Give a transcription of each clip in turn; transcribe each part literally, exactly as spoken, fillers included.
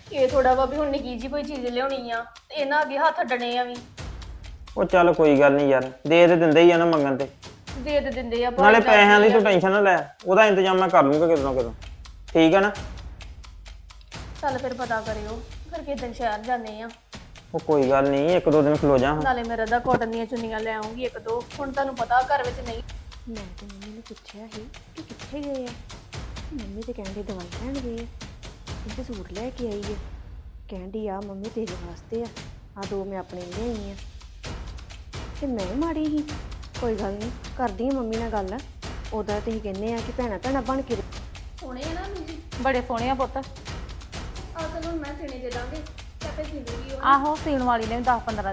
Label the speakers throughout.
Speaker 1: ਇਹ ਥੋੜਾ ਵਾ ਵੀ ਹੁਣ ਨਿੱਕੀ ਜੀ ਕੋਈ ਚੀਜ਼ ਲਿਆਉਣੀ ਆ ਤੇ ਇਹਨਾਂ ਅੱਗੇ ਹੱਥ ਅੱਡਣੇ ਆ ਵੀ।
Speaker 2: ਉਹ ਚੱਲ ਕੋਈ ਗੱਲ ਨਹੀਂ ਯਾਰ, ਦੇ ਤੇ ਦਿੰਦੇ ਹੀ ਆ ਨਾ ਮੰਗਣ ਤੇ।
Speaker 1: ਦੇ ਦੇ ਦਿੰਦੇ ਆ
Speaker 2: ਨਾਲੇ ਪੈਸਿਆਂ ਦੀ ਤੂੰ ਟੈਨਸ਼ਨ ਨਾ ਲੈ, ਉਹਦਾ ਇੰਤਜ਼ਾਮ ਮੈਂ ਕਰ ਲੂੰਗਾ ਕਿਦੋਂ ਕਿਦੋਂ, ਠੀਕ ਆ ਨਾ।
Speaker 1: ਚੱਲ ਫਿਰ ਪਤਾ ਕਰਿਓ, ਫਿਰ ਕਿਸ ਦਿਨ ਸ਼ਹਿਰ ਜਾਂਦੇ ਆ।
Speaker 2: ਉਹ ਕੋਈ ਗੱਲ ਨਹੀਂ, ਇੱਕ ਦੋ ਦਿਨ ਖਲੋ ਜਾ।
Speaker 1: ਨਾਲੇ ਮੇਰਾ ਦਾ ਕਾਟਨ ਦੀਆਂ ਚੁੰਨੀਆਂ ਲੈ ਆਉਂਗੀ ਇੱਕ ਦੋ, ਹੁਣ ਤੁਹਾਨੂੰ ਪਤਾ ਘਰ ਵਿੱਚ ਨਹੀਂ।
Speaker 3: ਮੈਂ ਤੇ ਮੰਮੀ ਨੂੰ ਪੁੱਛਿਆ ਸੀ ਕਿ ਕਿੱਥੇ ਗਏ ਆ। ਮੰਮੀ ਤੇ ਕਹਿੰਦੇ ਦਵਾਈ ਲੈਣ ਗਏ ਆ, ਕਹਿੰਦੇ ਸੂਟ ਲੈ ਕੇ ਆਈ ਹੈ। ਕਹਿੰਦੀ ਆ ਮੰਮੀ ਤੇਰੇ ਵਾਸਤੇ ਆ, ਆ ਦੋ ਮੈਂ ਆਪਣੇ ਲਈ ਲਿਆਈ ਆ। ਤੇ ਮੈਂ ਮਾੜੀ ਸੀ, ਕੋਈ ਗੱਲ ਨਹੀਂ, ਕਰਦੀ ਆ ਮੰਮੀ ਨਾਲ ਗੱਲ। ਉਹਦਾ ਤੁਸੀਂ ਕਹਿੰਦੇ ਆ ਕਿ ਭੈਣਾਂ ਭੈਣਾਂ ਬਣ ਕੇ
Speaker 1: ਸੋਹਣੇ ਆ ਨਾ ਜੀ,
Speaker 4: ਬੜੇ ਸੋਹਣੇ ਆ ਪੁੱਤ।
Speaker 1: ਆ ਚਲੋ ਮੈਂ ਸਿਣੇ ਦੇ ਦਾਂਗੇ ਤੇ ਆਪੇ ਸੀ ਦੂਗੀ ਉਹ।
Speaker 4: ਆਹੋ ਸੀਣ ਵਾਲੀ ਨੇ ਵੀ ਦਸ ਪੰਦਰਾਂ।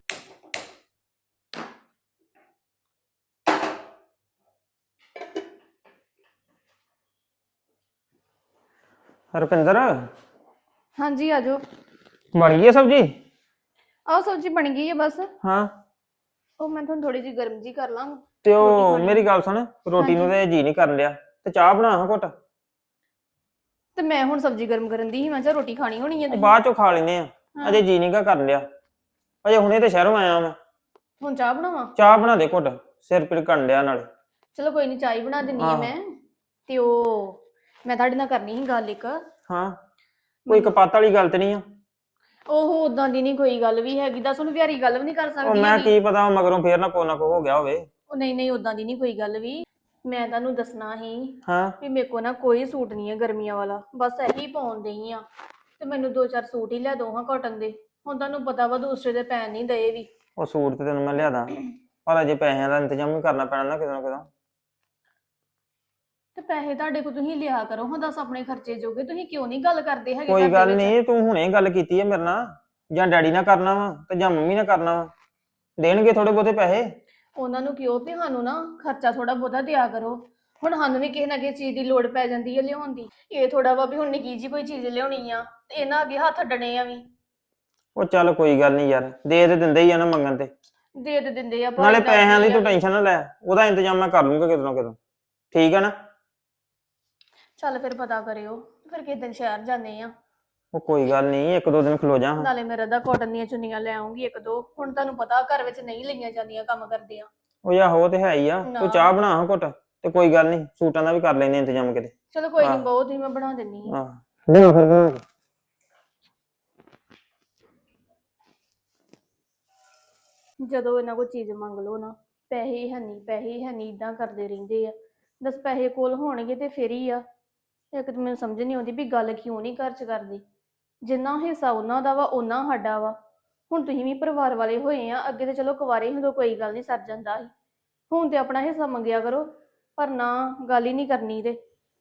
Speaker 2: ਰੁਪਿੰਦਰ,
Speaker 1: ਹਾਂਜੀ ਆਜੋ।
Speaker 2: ਬਣ ਗਈ ਹੈ ਸਬਜੀ?
Speaker 1: ਆਹ ਸਬਜ਼ੀ ਬਣ ਗਈ ਹੈ ਬਸ।
Speaker 2: ਹਾਂ,
Speaker 1: ਉਹ ਮੈਂ ਤੁਹਾਨੂੰ ਥੋੜੀ ਜਿਹੀ ਗਰਮ ਜੀ ਕਰ ਲਾਂ।
Speaker 2: ਤੇ ਉਹ ਮੇਰੀ ਗੱਲ ਸੁਣ, ਰੋਟੀ ਨੂੰ ਤੇ ਜੀ ਨਹੀਂ ਕਰਨ ਲਿਆ, ਤੇ ਚਾਹ ਬਣਾ ਹਾਂ ਘੁੱਟ।
Speaker 1: ਤੇ ਮੈਂ ਹੁਣ ਸਬਜ਼ੀ ਗਰਮ ਕਰਨ ਦੀ ਸੀ, ਮੈਂ ਕਿਹਾ ਰੋਟੀ ਖਾਣੀ ਹੋਣੀ ਹੈ ਤੁਸੀਂ।
Speaker 2: ਬਾਅਦ ਚੋਂ ਖਾ ਲੈਨੇ ਆ, ਅਜੇ ਜੀ ਨਹੀਂ ਗਾ ਕਰਨ ਲਿਆ। ਅਜੇ ਹੁਣੇ ਤੇ ਸ਼ਹਿਰੋਂ ਆਇਆ ਮੈਂ।
Speaker 1: ਹੁਣ ਚਾਹ ਬਣਾਵਾਂ?
Speaker 2: ਚਾਹ ਬਣਾ ਦੇ ਘੁੱਟ, ਸਿਰ ਪੀੜ ਕਰਨ ਲਿਆ ਨਾਲੇ।
Speaker 1: ਚਲੋ ਕੋਈ ਨਹੀਂ, ਚਾਹ ਹੀ ਬਣਾ ਦਿੰਨੀ ਆ ਮੈਂ। ਤੇ ਉਹ ਮੈਂ ਤੁਹਾਡੇ ਨਾਲ ਕਰਨੀ ਸੀ ਗੱਲ ਇੱਕ।
Speaker 2: ਹਾਂ, ਕੋਈ ਕਪਾਤ ਵਾਲੀ ਗੱਲ ਤੇ ਨਹੀਂ ਆ?
Speaker 1: ਉਹ ਉਦਾਂ ਦੀ ਨਹੀਂ ਕੋਈ ਗੱਲ ਵੀ ਹੈਗੀ, ਦੱਸ ਹੁਣ ਵਿਹਾਰੀ ਗੱਲ ਵੀ ਨਹੀਂ ਕਰ
Speaker 2: ਉਹ
Speaker 1: ਸਕਦੀ।
Speaker 2: ਮੈਂ ਕੀ ਪਤਾ ਮਗਰੋਂ ਫੇਰ ਨਾ ਕੋ ਨਾ ਕੋ ਹੋ ਗਿਆ ਹੋਵੇ।
Speaker 1: ਉਹ ਨਹੀਂ ਨਹੀਂ, ਉਦਾਂ ਦੀ ਨਹੀਂ ਕੋਈ ਗੱਲ ਵੀ। ਮੈਂ ਤੁਹਾਨੂੰ ਦੱਸਣਾ ਸੀ
Speaker 2: ਹਾਂ,
Speaker 1: ਵੀ ਮੇਰੇ ਕੋਲ ਨਾ ਕੋਈ ਸੂਟ ਨਹੀਂ ਹੈ ਗਰਮੀਆਂ ਵਾਲਾ, ਬਸ ਇਹੀ ਪਾਉਣ ਡਈ ਆ। ਤੇ ਮੈਨੂੰ ਦੋ ਚਾਰ ਸੂਟ ਹੀ ਲੈ ਦੋ ਹਾਂ ਕਾਟਨ ਦੇ। ਹੁਣ ਤੁਹਾਨੂੰ ਪਤਾ ਵਾ ਦੂਸਰੇ ਦੇ ਪੈਣ ਨਹੀਂ ਦਏ ਵੀ।
Speaker 2: ਉਹ ਸੂਟ ਤੇ ਤੈਨੂੰ ਮੈਂ ਲਿਆਦਾ, ਪਰ ਅਜੇ ਪੈਸਿਆਂ ਦਾ ਇੰਤਜ਼ਾਮ ਵੀ ਕਰਨਾ ਪੈਣਾ ਨਾ ਕਿਤੇ ਨਾ ਕਿਤੇ।
Speaker 1: ਤੇ ਪੈਸੇ ਤੁਹਾਡੇ ਕੋਲ ਤੁਸੀਂ ਲਿਆ ਕਰੋ ਹਾਂ, ਦੱਸ ਆਪਣੇ ਖਰਚੇ ਜੋਗੇ ਤੁਸੀਂ ਕਿਉਂ ਨਹੀਂ ਗੱਲ ਕਰਦੇ ਹੈਗੇ?
Speaker 2: ਕੋਈ ਗੱਲ ਨਹੀਂ, ਤੂੰ ਹੁਣੇ ਗੱਲ ਕੀਤੀ ਹੈ ਮੇਰੇ ਨਾਲ, ਜਾਂ ਡੈਡੀ ਨਾਲ ਕਰਨਾ ਵਾ ਤੇ ਜਾਂ ਮੰਮੀ ਨਾਲ ਕਰਨਾ ਵਾ, ਦੇਣਗੇ ਥੋੜੇ ਬਹੁਤੇ ਪੈਸੇ।
Speaker 1: ਉਹਨਾਂ ਨੂੰ ਕਿਉਂ ਵੀ ਸਾਨੂੰ ਨਾ ਖਰਚਾ ਥੋੜਾ ਬਹੁਤਾ ਦਿਆ ਕਰੋ। ਹੁਣ ਸਾਨੂੰ ਵੀ ਕਿਸੇ ਨਾ ਕਿਸੇ ਚੀਜ਼ ਦੀ ਲੋੜ ਪੈ ਜਾਂਦੀ ਹੈ ਲਿਆਉਣ ਦੀ। ਇਹ ਥੋੜਾ ਵਾ ਵੀ ਹੁਣ ਨਿੱਕੀ ਜੀ ਕੋਈ ਚੀਜ਼ ਲਿਆਉਣੀ ਆ ਤੇ ਇਹਨਾਂ ਅੱਗੇ ਹੱਥ ਅੱਡਣੇ ਆ ਵੀ।
Speaker 2: ਉਹ ਚੱਲ ਕੋਈ ਗੱਲ ਨਹੀਂ ਯਾਰ, ਦੇ ਤੇ ਦਿੰਦੇ ਹੀ ਆ ਨਾ ਮੰਗਣ ਤੇ।
Speaker 1: ਦੇ ਦੇ ਦਿੰਦੇ ਆ।
Speaker 2: ਨਾਲੇ ਪੈਸਿਆਂ ਦੀ ਤੂੰ ਟੈਨਸ਼ਨ ਨਾ ਲੈ, ਉਹਦਾ ਇੰਤਜ਼ਾਮ ਮੈਂ ਕਰ ਲੂੰਗਾ ਕਿਤੇ ਨਾ ਕਿਤੇ, ਠੀਕ ਆ ਨਾ।
Speaker 1: ਚੱਲ ਫਿਰ ਪਤਾ ਕਰਿਓ, ਫਿਰ ਕਿਸੇ ਦਿਨ ਸ਼ਹਿਰ ਜਾਂਦੇ ਆ।
Speaker 2: ਉਹ ਕੋਈ ਗੱਲ ਨਹੀਂ, ਇੱਕ ਦੋ ਦਿਨ ਖਲੋ ਜਾ।
Speaker 1: ਨਾਲੇ ਮੇਰਾ ਦਾ ਕਾਟਨ ਦੀਆਂ ਚੁੰਨੀਆਂ ਲੈ ਆਉਂਗੀ ਇੱਕ ਦੋ, ਹੁਣ ਤੁਹਾਨੂੰ ਪਤਾ ਘਰ ਵਿੱਚ ਨਹੀਂ ਲਈਆਂ ਜਾਂਦੀਆਂ ਕੰਮ ਕਰਦੇ ਆ।
Speaker 2: ਉਹ ਯਾ ਹੋ ਤੇ ਹੈ ਹੀ ਆ, ਤੂੰ ਚਾਹ ਬਣਾ ਹਾਂ ਘੁੱਟ, ਤੇ ਕੋਈ ਗੱਲ ਨਹੀਂ ਸੂਟਾਂ ਦਾ ਵੀ ਕਰ ਲੈਨੇ ਇੰਤਜ਼ਾਮ ਕਿਤੇ।
Speaker 1: ਚਲੋ ਕੋਈ ਨਹੀਂ, ਬਹੁਤ ਹੀ ਮੈਂ ਬਣਾ ਦਿੰਨੀ ਆ।
Speaker 2: ਆਹ ਲਿਆ ਫਿਰ ਬਣਾ ਕੇ।
Speaker 1: ਜਦੋਂ ਇਹਨਾਂ ਕੋਲ ਚੀਜ਼ ਮੰਗ ਲਓ ਨਾ, ਪੈਸੇ ਹੈ ਨਹੀਂ ਪੈਸੇ ਹੈ ਨਹੀਂ ਇਦਾਂ ਕਰਦੇ ਰਹਿੰਦੇ ਆ। ਦਸ ਪੈਸੇ ਕੋਲ ਹੋਣਗੇ ਤੇ ਫਿਰ ਹੀ ਆ। ਇੱਕ ਤਾਂ ਮੈਨੂੰ ਸਮਝ ਨਹੀਂ ਆਉਂਦੀ ਵੀ ਗੱਲ ਕਿਉਂ ਨਹੀਂ ਘਰ 'ਚ ਕਰਦੀ। ਜਿੰਨਾ ਹਿੱਸਾ ਉਹਨਾਂ ਦਾ ਵਾ ਓਨਾ ਸਾਡਾ ਵਾ। ਹੁਣ ਤੁਸੀਂ ਵੀ ਪਰਿਵਾਰ ਵਾਲੇ ਹੋਏ ਆ, ਅੱਗੇ ਤੇ ਚਲੋ ਕੁਵਾਰੇ ਹੁੰਦੋਂ ਕੋਈ ਗੱਲ ਨਹੀਂ ਸਰ ਜਾਂਦਾ ਸੀ। ਹੁਣ ਤੇ ਆਪਣਾ ਹਿੱਸਾ ਮੰਗਿਆ ਕਰੋ, ਪਰ ਨਾ ਗੱਲ ਹੀ ਨਹੀਂ ਕਰਨੀ। ਤੇ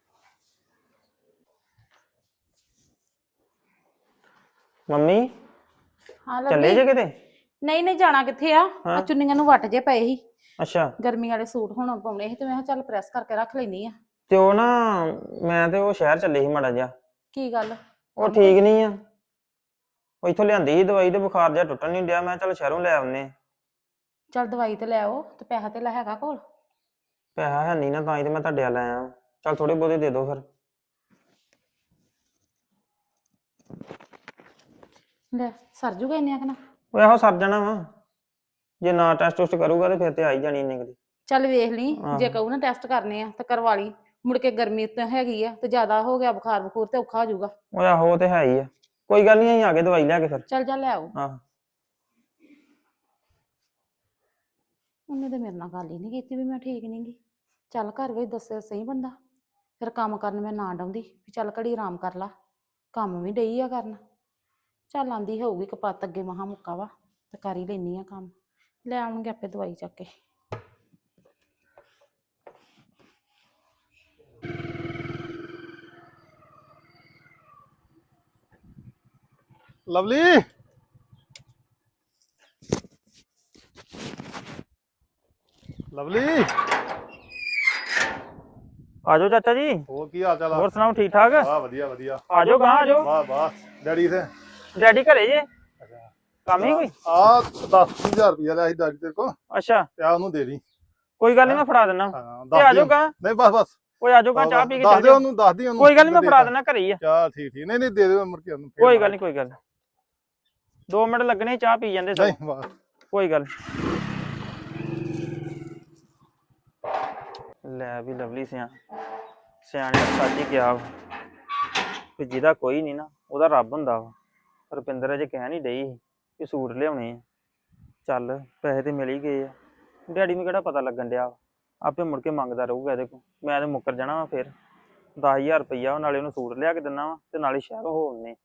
Speaker 2: ਮੰਮੀ
Speaker 4: ਹਾਂ
Speaker 2: ਚੱਲੇ ਜੇ ਕਿਤੇ?
Speaker 4: ਨਹੀਂ ਨਹੀਂ, ਜਾਣਾ ਕਿੱਥੇ ਆ? ਆ ਚੁੰਨੀਆਂ ਨੂੰ ਵੱਟ ਜੇ ਪਏ ਸੀ।
Speaker 2: ਅੱਛਾ,
Speaker 4: ਗਰਮੀ ਵਾਲੇ ਸੂਟ ਹੁਣ ਪਾਉਣੇ ਸੀ ਤੇ ਮੈਂ ਕਿਹਾ ਚੱਲ ਪ੍ਰੈਸ ਕਰਕੇ ਰੱਖ ਲੈਣੀ ਆ।
Speaker 2: ਤੇ ਉਹ ਨਾ ਮੈਂ ਤੇ ਉਹ ਸ਼ਹਿਰ ਚੱਲੇ ਸੀ ਮਾੜਾ ਜਿਹਾ।
Speaker 4: ਕੀ ਗੱਲ?
Speaker 2: ਉਹ ਠੀਕ ਨਹੀਂ ਆ, ਉਹ ਇੱਥੋਂ ਲਿਆਂਦੀ ਸੀ ਦਵਾਈ, ਤੇ ਬੁਖਾਰ ਜਿਹਾ ਟੁੱਟਣ ਨਹੀਂ ਡਿਆ। ਮੈਂ ਚੱਲ ਸ਼ਹਿਰੋਂ ਲੈ ਆਉਨੇ।
Speaker 4: ਚੱਲ ਦਵਾਈ ਤੇ ਲੈ ਆਓ, ਤੇ ਪੈਸਾ ਤੇ ਲੈ ਹੈਗਾ ਕੋਲ?
Speaker 2: ਪੈਸਾ ਹੈ ਨਹੀਂ ਨਾ, ਤਾਂ ਹੀ ਤੇ ਮੈਂ ਤੁਹਾਡੇ ਵੱਲ ਆਇਆ। ਚੱਲ ਥੋੜੇ ਬਹੁਤੇ ਦੇ ਦਿਓ ਫਿਰ।
Speaker 4: ਲੈ ਸਰ ਜੂਗਾ ਇੰਨੇ ਆਖਣਾ?
Speaker 2: ਉਹ ਇਹੋ ਸਰ ਜਾਣਾ ਵਾ, ਜੇ ਨਾ ਟੈਸਟ ਟੁਸਟ ਕਰੂਗਾ ਤੇ ਫਿਰ ਤੇ ਆ ਹੀ ਜਾਣੀ ਇੰਨੇ ਕਦੀ।
Speaker 4: ਚੱਲ ਵੇਖ ਲਈ, ਜੇ ਕਹੂ ਨਾ ਟੈਸਟ ਕਰਨੇ ਆ ਤੇ ਕਰਵਾ ਲਈ। ਮੁੜ ਕੇ ਗਰਮੀ ਤਾਂ ਹੈਗੀ ਆ, ਤੇ ਜ਼ਿਆਦਾ ਹੋ ਗਿਆ ਬੁਖਾਰ ਬਖੂਰ ਤੇ ਔਖਾ ਹੋ ਜਾਊਗਾ।
Speaker 2: ਉਹ ਆਹੋ ਤੇ ਹੈ ਹੀ ਆ, ਕੋਈ ਗੱਲ ਨਹੀਂ, ਅਸੀਂ ਆ ਕੇ ਦਵਾਈ ਲਿਆ ਕੇ ਫਿਰ।
Speaker 4: ਚੱਲ ਜਾ ਲੈ ਆਓ।
Speaker 2: ਆਹ
Speaker 4: ਉਹਨੇ ਤਾਂ ਮੇਰੇ ਨਾਲ ਗੱਲ ਹੀ ਨਹੀਂ ਕੀਤੀ ਵੀ ਮੈਂ ਠੀਕ ਨਹੀਂ ਗੀ। ਚੱਲ ਘਰ ਵਿੱਚ ਦੱਸੇ ਸਹੀ ਬੰਦਾ, ਫਿਰ ਕੰਮ ਕਰਨ ਮੈਂ ਨਾ ਡਾਉਂਦੀ ਵੀ ਚੱਲ ਘੜੀ ਆਰਾਮ ਕਰ ਲਾ। ਕੰਮ ਵੀ ਡਈ ਆ ਕਰਨ। ਚੱਲ ਆਂਦੀ ਹੋਊਗੀ ਕਪੱਤ ਅੱਗੇ ਮਹਾ ਮੁੱਕਾ ਵਾ, ਤੇ ਕਰ ਹੀ ਲੈਣੀ ਆ ਕੰਮ। ਲੈ ਆਉਣਗੇ ਆਪੇ ਦਵਾਈ ਚੱਕ ਕੇ।
Speaker 5: ਲਵਲੀ, ਲਵਲੀ,
Speaker 2: ਆਜੋ ਚਾਚਾ ਜੀ।
Speaker 5: ਹੋਰ ਕੀ ਹਾਲ ਚਾਲ ਆ?
Speaker 2: ਹੋਰ ਸੁਣਾਓ, ਠੀਕ ਠਾਕ?
Speaker 5: ਵਾਹ ਵਧੀਆ ਵਧੀਆ।
Speaker 2: ਆਜੋ ਗਾਂ ਆਜੋ।
Speaker 5: ਵਾਹ ਵਾਹ। ਡੈਡੀ ਤੇ
Speaker 2: ਡੈਡੀ ਘਰੇ ਜੇ? ਕੰਮ ਹੀ ਕੋਈ?
Speaker 5: ਆ ਦਸ ਹਜ਼ਾਰ ਰੁਪਇਆ ਲਿਆ ਸੀ ਡੈਡੀ ਤੇਰੇ ਕੋ,
Speaker 2: ਅੱਛਾ,
Speaker 5: ਤੇ ਆ ਉਹਨੂੰ ਦੇ ਦੀ।
Speaker 2: ਕੋਈ ਗੱਲ ਨਹੀਂ, ਮੈਂ ਫੜਾ ਦਿੰਦਾ।
Speaker 5: ਹਾਂ
Speaker 2: ਤੇ ਆਜੋ ਗਾਂ।
Speaker 5: ਨਹੀਂ ਬਸ ਬਸ
Speaker 2: ਓਏ ਆਜੋ ਕਾ ਚਾਹ ਪੀ ਕੇ
Speaker 5: ਦੱਸ
Speaker 2: ਚੱਲ
Speaker 5: ਦੇ
Speaker 2: ਜਾਓ।
Speaker 5: ਉਹਨੂੰ ਦੱਸ ਦੀ ਉਹਨੂੰ
Speaker 2: ਕੋਈ ਗੱਲ ਨਹੀਂ ਮੈਂ
Speaker 5: ਦੇ
Speaker 2: ਫੜਾ
Speaker 5: ਤਾ।
Speaker 2: ਦੇਣਾ ਘਰੇ ਹੀ ਆ।
Speaker 5: ਚੱਲ ਠੀਕ ਠੀਕ ਨਹੀਂ ਨਹੀਂ ਦੇ ਦੇ ਮੁੜ ਕੇ ਉਹਨੂੰ ਫੇਰ
Speaker 2: ਕੋਈ ਗੱਲ
Speaker 5: ਮਾਰ।
Speaker 2: ਨਹੀਂ ਕੋਈ ਗੱਲ ਨੀ। ਦੋ ਮਿੰਟ ਲੱਗਣੇ ਚਾਹ ਪੀ ਜਾਂਦੇ ਸਭ।
Speaker 5: ਨਹੀਂ ਬਸ
Speaker 2: ਕੋਈ ਗੱਲ ਲੈ ਵੀ ਲਵਲੀ ਸਿਆ ਸਿਆਣੇ ਨੇ ਸੱਚ ਹੀ ਕਿਹਾ ਵਾ ਕਿ ਜਿਹਦਾ ਕੋਈ ਨਹੀਂ ਨਾ ਉਹਦਾ ਰੱਬ ਹੁੰਦਾ ਵਾ। ਰੁਪਿੰਦਰ ਅਜੇ ਕਹਿ ਨਹੀਂ ਡਈ ਸੀ ਕਿ ਸੂਟ ਲਿਆਉਣੇ ਆ। ਚੱਲ ਪੈਸੇ ਤੇ ਮਿਲ ਹੀ ਗਏ ਆ। ਡੈਡੀ ਨੂੰ ਕਿਹੜਾ ਪਤਾ ਲੱਗਣ ਡਿਆ ਵਾ। ਆਪੇ ਮੁੜ ਕੇ ਮੰਗਦਾ ਰਹੂਗਾ ਇਹਦੇ ਕੋਲ। ਮੈਂ ਤੇ ਮੁੱਕਰ ਜਾਣਾ ਵਾ ਫਿਰ ਦਸ ਹਜ਼ਾਰ ਰੁਪਈਆ ਨਾਲੇ ਉਹਨੂੰ ਸੂਟ ਲਿਆ ਕੇ ਦਿੰਦਾ ਵਾ ਤੇ ਨਾਲੇ ਸ਼ਹਿਰੋਂ ਹੋ ਆਉਂਦੇ।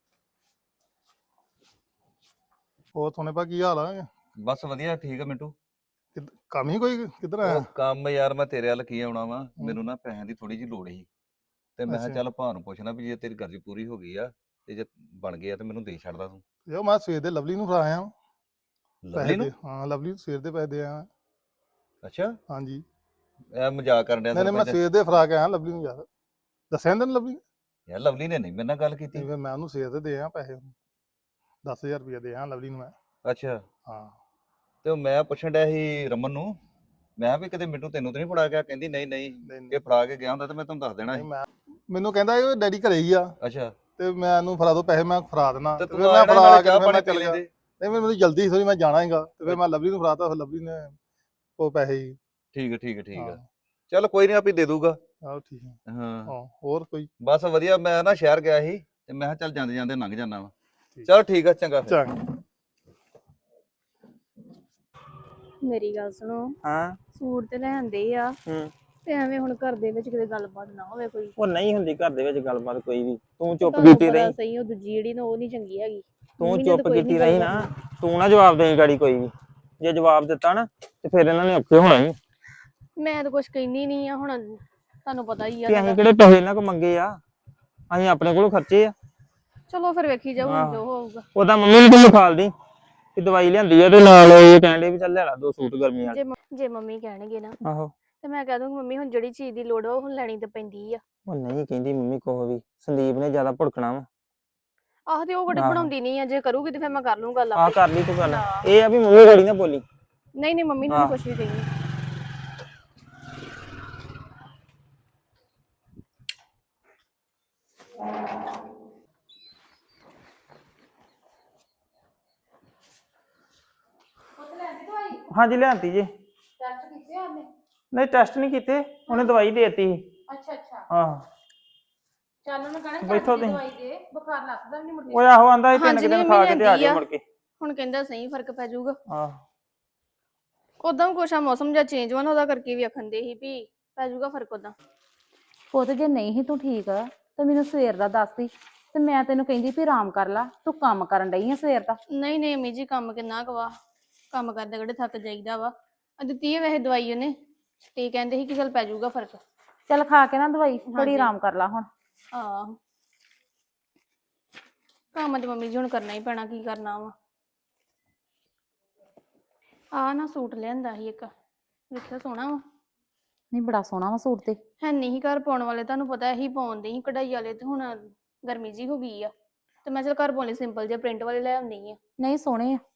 Speaker 5: ਹੋਰ ਸੋਨੇ ਪਾ ਕੀ ਹਾਲ ਆ?
Speaker 6: ਬਸ ਵਧੀਆ ਠੀਕ ਆ ਮਿੰਟੂ।
Speaker 5: ਕਿੱਧ- ਕੰਮ ਹੀ ਕੋਈ ਕਿੱਧਰ ਆਇਆ?
Speaker 6: ਉਹ ਕੰਮ ਯਾਰ ਮੈਂ ਤੇਰੇ ਵੱਲ ਕੀ ਆਉਣਾ ਵਾ, ਮੈਨੂੰ ਨਾ ਪੈਸਿਆਂ ਦੀ ਥੋੜੀ ਜਿਹੀ ਲੋੜ ਸੀ ਤੇ ਮੈਂ ਕਿਹਾ
Speaker 5: ਅੱਛਾ।
Speaker 6: ਚੱਲ ਭਾਅ ਨੂੰ ਪੁੱਛਣਾ ਵੀ ਜੇ ਤੇਰੀ ਗਰਜ ਪੂਰੀ ਹੋ ਗਈ ਆ ਤੇ ਜੇ ਬਣ ਗਿਆ ਤੇ ਮੈਨੂੰ ਦੇ ਛੱਡਦਾ ਤੂੰ।
Speaker 5: ਯੋ ਮੈਂ ਸਵੇਰ ਦੇ ਲਵਲੀ ਨੂੰ ਫੜਾ ਆਇਆ ਵਾਂ।
Speaker 6: ਲਵਲੀ
Speaker 5: ਪੈਸੇ
Speaker 6: ਨੂੰ?
Speaker 5: ਦੇ ਹਾਂ ਲਵਲੀ ਨੂੰ ਸਵੇਰ ਦੇ ਪੈਸੇ ਦੇ ਆਇਆ।
Speaker 6: ਅੱਛਾ
Speaker 5: ਹਾਂਜੀ
Speaker 6: ਇਹ ਮਜ਼ਾਕ ਕਰਨ ਡਿਆ
Speaker 5: ਨਹੀਂ ਨਹੀਂ ਮੈਂ
Speaker 6: ਸਰਪੰਚ।
Speaker 5: ਸਵੇਰ ਦੇ ਫੜਾ ਕੇ ਆਇਆ ਲਵਲੀ ਨੂੰ ਯਾਰ। ਦੱਸਿਆ ਨੀ ਤੈਨੂੰ ਲਵਲੀ ਨੇ?
Speaker 6: ਯਾਰ ਲਵਲੀ ਨੇ ਨਹੀਂ ਮੇਰੇ ਨਾਲ ਗੱਲ
Speaker 5: ਨਹੀਂ
Speaker 6: ਕੀਤੀ।
Speaker 5: ਫਿਰ ਮੈਂ ਉਹਨੂੰ ਸਵੇਰ ਦੇ ਦੇ ਆਇਆ ਪੈਸੇ। ਦਸ ਹਜ਼ਾਰ ਰੁਪਇਆ ਦੇ ਆਇਆ ਲਵਲੀ ਨੂੰ ਮੈਂ।
Speaker 6: ਅੱਛਾ
Speaker 5: ਹਾਂ
Speaker 6: ਤੇ ਉਹ ਮੈਂ ਪੁੱਛਣ ਡਿਆ ਸੀ ਰਮਨ ਨੂੰ, ਮੈਂ ਕਿਹਾ ਵੀ ਕਿਤੇ ਮਿੰਟੂ ਤੈਨੂੰ ਤੇ ਨਹੀਂ ਫੜਾ ਗਿਆ? ਕਹਿੰਦੀ ਨਹੀਂ ਨਹੀਂ
Speaker 5: ਨਹੀਂ
Speaker 6: ਜੇ
Speaker 5: ਨਹੀਂ
Speaker 6: ਫੜਾ ਕੇ ਗਿਆ ਹੁੰਦਾ ਤਾਂ ਮੈਂ ਤੁਹਾਨੂੰ ਦੱਸ ਦੇਣਾ
Speaker 5: ਨਹੀਂ,
Speaker 6: ਸੀ।
Speaker 5: ਮੈਂ ਮੈਨੂੰ ਕਹਿੰਦਾ ਇਹ ਡੈਡੀ ਘਰੇ ਹੀ ਆ
Speaker 6: ਅੱਛਾ
Speaker 5: ਤੇ ਮੈਂ ਇਹਨੂੰ ਫੜਾ ਦੋ ਪੈਸੇ ਮੈਂ ਫੜਾ ਦੇਣਾ
Speaker 6: ਤੇ
Speaker 5: ਤੇ
Speaker 6: ਤੂੰ
Speaker 5: ਫਿਰ ਮੈਂ
Speaker 6: ਆਇਆ
Speaker 5: ਫੜਾ
Speaker 6: ਨਾਲੇ
Speaker 5: ਕੇ
Speaker 6: ਚਾਹ
Speaker 5: ਫਿਰ
Speaker 6: ਪਾਣੀ
Speaker 5: ਮੈਂ
Speaker 6: ਪੀ
Speaker 5: ਚੱਲ ਗਿਆ।
Speaker 6: ਲੈਂਦੇ।
Speaker 5: ਨਹੀਂ ਫਿਰ ਮੈਨੂੰ ਜਲਦੀ ਸੀ ਮੈਂ ਜਾਣਾ ਹੈਗਾ ਤੇ ਫਿਰ ਮੈਂ ਲਵਲੀ ਨੂੰ ਫੜਾਤਾ ਫਿਰ ਲਵਲੀ ਨੇ ਉਹ ਪੈਸੇ ਹੀ।
Speaker 6: ਠੀਕ ਹੈ ਠੀਕ ਹੈ ਠੀਕ
Speaker 5: ਹਾਂ
Speaker 6: ਆ ਚੱਲ ਕੋਈ ਨਹੀਂ ਆਪੇ ਦੇ ਦੂਗਾ।
Speaker 5: ਆਹੋ ਠੀਕ ਹੈ।
Speaker 6: ਹਾਂ
Speaker 5: ਹਾਂ ਹੋਰ ਕੋਈ?
Speaker 6: ਬਸ ਵਧੀਆ। ਮੈਂ ਨਾ ਸ਼ਹਿਰ ਗਿਆ ਸੀ ਤੇ ਮੈਂ ਕਿਹਾ ਚੱਲ ਜਾਂਦੇ ਜਾਂਦੇ ਲੰਘ ਜਾਣਾ ਵਾ।
Speaker 5: ਠੀਕ।
Speaker 6: ਚਲ ਠੀਕ ਆ ਚੰਗਾ ਫਿਰ।
Speaker 5: ਚੰਗਾ
Speaker 1: ਮੇਰੀ ਗੱਲ ਸੁਣੋ,
Speaker 2: ਹਾਂ
Speaker 1: ਸੂਟ ਤੇ ਲੈਂਦੇ ਆ
Speaker 2: ਹੂੰ
Speaker 1: ਤੇ ਐਵੇਂ ਹੁਣ ਘਰ ਦੇ ਵਿੱਚ ਕਿਤੇ ਗੱਲਬਾਤ ਨਾ ਹੋਵੇ ਕੋਈ।
Speaker 2: ਉਹ ਨਹੀਂ ਹੁੰਦੀ ਘਰ ਦੇ ਵਿੱਚ ਗੱਲਬਾਤ ਕੋਈ ਵੀ। ਤੂੰ ਚੁੱਪ
Speaker 1: ਤੁਹਾਨੂੰ
Speaker 2: ਕੀਤੀ
Speaker 1: ਪਤਾ
Speaker 2: ਰਹੀ।
Speaker 1: ਸਹੀ ਉਹ ਦੂਜੀ ਜਿਹੜੀ ਨਾ ਉਹ ਨਹੀਂ ਚੰਗੀ ਹੈਗੀ।
Speaker 2: ਤੂੰ
Speaker 1: ਮੰਮੀ ਨੇ
Speaker 2: ਚੁੱਪ
Speaker 1: ਤਾਂ ਕੋਈ
Speaker 2: ਕੀਤੀ
Speaker 1: ਨੀ
Speaker 2: ਰਹੀ
Speaker 1: ਗੱਲ
Speaker 2: ਨਾ।
Speaker 1: ਕਰਨੀ।
Speaker 2: ਤੂੰ ਨਾ ਜਵਾਬ ਦੇਈ ਗਾੜੀ ਕੋਈ ਵੀ। ਜੇ ਜਵਾਬ ਦਿੱਤਾ ਨਾ ਤੇ ਫਿਰ ਇਹਨਾਂ ਨੇ ਔਖੇ ਹੋਣਾ ਹੀ।
Speaker 1: ਮੈਂ ਤਾਂ ਕੁਛ ਕਹਿੰਦੀ ਨਹੀਂ ਆ ਹੁਣ, ਤੁਹਾਨੂੰ ਪਤਾ ਹੀ ਆ
Speaker 2: ਕਿ
Speaker 1: ਸਾਡਾ।
Speaker 2: ਅਸੀਂ ਕਿਹੜੇ ਪੈਸੇ ਇਹਨਾਂ ਕੋ ਮੰਗੇ ਆ। ਅਸੀਂ ਆਪਣੇ ਕੋਲੋਂ ਖਰਚੇ ਆ।
Speaker 1: ਚਲੋ ਫਿਰ ਵੇਖੀ ਜਾਓ ਹੁਣ
Speaker 2: ਆਹੋ।
Speaker 1: ਜੋ ਹੋਊਗਾ।
Speaker 2: ਉਹਦਾ ਮੰਮੀ ਨੂੰ ਤੂੰ ਲਿਖਾਲਦੀ ਕਿ ਦਵਾਈ ਲਿਆਂਦੀ ਆ ਤੇ ਨਾਲ ਇਹ ਕਹਿੰਦੇ ਵੀ ਚੱਲ ਲੈ ਲਾ ਦੋ ਸੂਟ ਗਰਮੀ ਵਾਲੇ।
Speaker 1: ਜੇ ਮ- ਜੇ ਮੰਮੀ ਕਹਿਣਗੇ ਨਾ
Speaker 2: ਆਹੋ
Speaker 1: ਤੇ ਮੈਂ ਕਹਿ ਦੂੰਗੀ ਮੰਮੀ ਹੁਣ ਜਿਹੜੀ ਚੀਜ਼ ਦੀ ਲੋੜ ਆ ਉਹ ਹੁਣ ਲੈਣੀ ਤਾਂ ਪੈਂਦੀ ਆ।
Speaker 2: ਉਹ ਨਹੀਂ ਕਹਿੰਦੀ ਮੰਮੀ ਕੋਹ ਵੀ ਸੰਦੀਪ ਨੇ ਜ਼ਿਆਦਾ ਭੁੜਕਣਾ ਵਾ।
Speaker 1: ਆਹ ਤੇ ਉਹ ਗੜੀ
Speaker 2: ਆਹੋ।
Speaker 1: ਬਣਾਉਂਦੀ ਨਹੀਂ ਆ, ਜੇ ਕਰੂਗੀ ਤੇ ਫਿਰ ਮੈਂ ਕਰ ਲੂੰ ਗੱਲ
Speaker 2: ਆਹ
Speaker 1: ਆਪੇ।
Speaker 2: ਕਰ ਲਈ ਤੂੰ ਗੱਲ।
Speaker 1: ਹਾਂ।
Speaker 2: ਇਹ ਆ ਵੀ ਮੰਮੀ ਗਾੜੀ ਨਾ ਬੋਲੀ।
Speaker 1: ਨਹੀਂ ਨਹੀਂ ਮੰਮੀ ਨੂੰ
Speaker 2: ਆਹ।
Speaker 1: ਨੀ ਕੁਛ ਵੀ ਕਹੀ।
Speaker 2: ਹਾਂਜੀ ਲਿਆਂਤੀ ਜੀ।
Speaker 4: ਟੈਸਟ ਕੀਤੇ ਉਹਨੇ?
Speaker 2: ਨਹੀਂ ਟੈਸਟ ਨਹੀਂ ਕੀਤੇ, ਉਹਨੇ ਦਵਾਈ ਦੇ ਦਿੱਤੀ ਸੀ।
Speaker 4: ਅੱਛਾ ਅੱਛਾ
Speaker 2: ਆਹ
Speaker 4: ਚੱਲ ਉਹਨੂੰ ਕਹਣਾ
Speaker 2: ਬੈਠੋ
Speaker 4: ਚੱਲ
Speaker 2: ਤੁਸੀਂ।
Speaker 4: ਦਵਾਈ ਦੇ, ਬੁਖਾਰ ਲੱਥਦਾ ਵੀ ਨਹੀਂ ਮੁੜ
Speaker 2: ਉਹ ਆਹੋ ਆਂਦਾ ਇਹ ਤਿੰਨ
Speaker 1: ਹਾਂਜੀ,
Speaker 2: ਕੁ ਦਿਨ
Speaker 1: ਨਹੀਂ,
Speaker 2: ਖਾ
Speaker 1: ਮੰਮੀ
Speaker 2: ਕੇ ਤੇ ਆ
Speaker 1: ਲਿਆਂਦੀ
Speaker 2: ਜਾਓ
Speaker 1: ਆ।
Speaker 2: ਮੁੜ ਕੇ।
Speaker 1: ਹੁਣ ਕਹਿੰਦਾ ਸਹੀ ਫਰਕ ਪੈ ਜਾਊਗਾ।
Speaker 2: ਆਹ
Speaker 1: ਉਦਾਂ ਵੀ ਕੁਛ ਆ ਮੌਸਮ ਜਿਹਾ ਚੇਂਜ ਹੋਣਾ ਉਹਦਾ ਕਰਕੇ ਵੀ ਆਖਣ ਦੇ ਸੀ ਵੀ ਪੈ ਜਾਊਗਾ ਫਰਕ ਉਦਾਂ।
Speaker 4: ਪੁੱਤ ਜੇ ਨਹੀਂ ਸੀ ਤੂੰ ਠੀਕ ਤਾਂ ਮੈਨੂੰ ਸਵੇਰ ਦਾ ਦੱਸਦੀ ਤੇ ਮੈਂ ਤੈਨੂੰ ਕਹਿੰਦੀ ਵੀ ਆਰਾਮ ਕਰ ਲਾ। ਤੂੰ ਕੰਮ ਕਰਨ ਡਈ ਆ ਸਵੇਰ ਦਾ।
Speaker 1: ਨਹੀਂ ਨਹੀਂ ਅਮੀ ਜੀ ਕੰਮ ਕਿੰਨਾ ਕੁ ਵਾ, ਕੰਮ ਕਰਦੇ ਕਿਹੜੇ ਥੱਕ ਜਾਈਦਾ ਵਾ। ਆ ਦਿੱਤੀ ਹੈ ਵੈਸੇ ਦਵਾਈ ਉਹਨੇ ਤੇ ਕਹਿੰਦੇ ਸੀ ਕਿ ਚੱਲ ਪੈ ਜਾਊਗਾ ਫਰਕ।
Speaker 4: ਚੱਲ ਖਾ ਕੇ ਨਾ ਦਵਾਈ ਥੋੜੀ
Speaker 1: ਹਾਂਜੀ।
Speaker 4: ਆਰਾਮ ਕਰ ਲਾ ਹੁਣ।
Speaker 1: ਆਹ ਕੰਮ ਤੇ ਮੰਮੀ ਜੀ ਹੁਣ ਕਰਨਾ ਹੀ ਪੈਣਾ, ਕੀ ਕਰਨਾ ਵਾ। ਆ ਨਾ ਸੂਟ ਲਿਆਂਦਾ ਸੀ ਇੱਕ, ਵੇਖਿਆ ਸੋਹਣਾ ਵਾ।
Speaker 4: ਨਹੀਂ ਬੜਾ ਸੋਹਣਾ ਵਾ ਸੂਟ ਤੇ।
Speaker 1: ਹੈ ਨਹੀਂ ਸੀ ਘਰ ਪਾਉਣ ਵਾਲੇ, ਤੁਹਾਨੂੰ ਪਤਾ ਇਹੀ ਪਾਉਂਦੇ ਸੀ ਕਢਾਈ ਵਾਲੇ, ਤੇ ਹੁਣ ਗਰਮੀ ਜੀ ਹੋ ਗਈ ਆ ਤੇ ਮੈਂ ਚਲ ਘਰ ਪਾਉਣ ਲਈ ਸਿੰਪਲ ਜਿਹੇ ਪ੍ਰਿੰਟ ਵਾਲੇ ਲੈ ਆਉਂਦੀ ਆ।
Speaker 4: ਨਹੀਂ ਸੋਹਣੇ ਆ।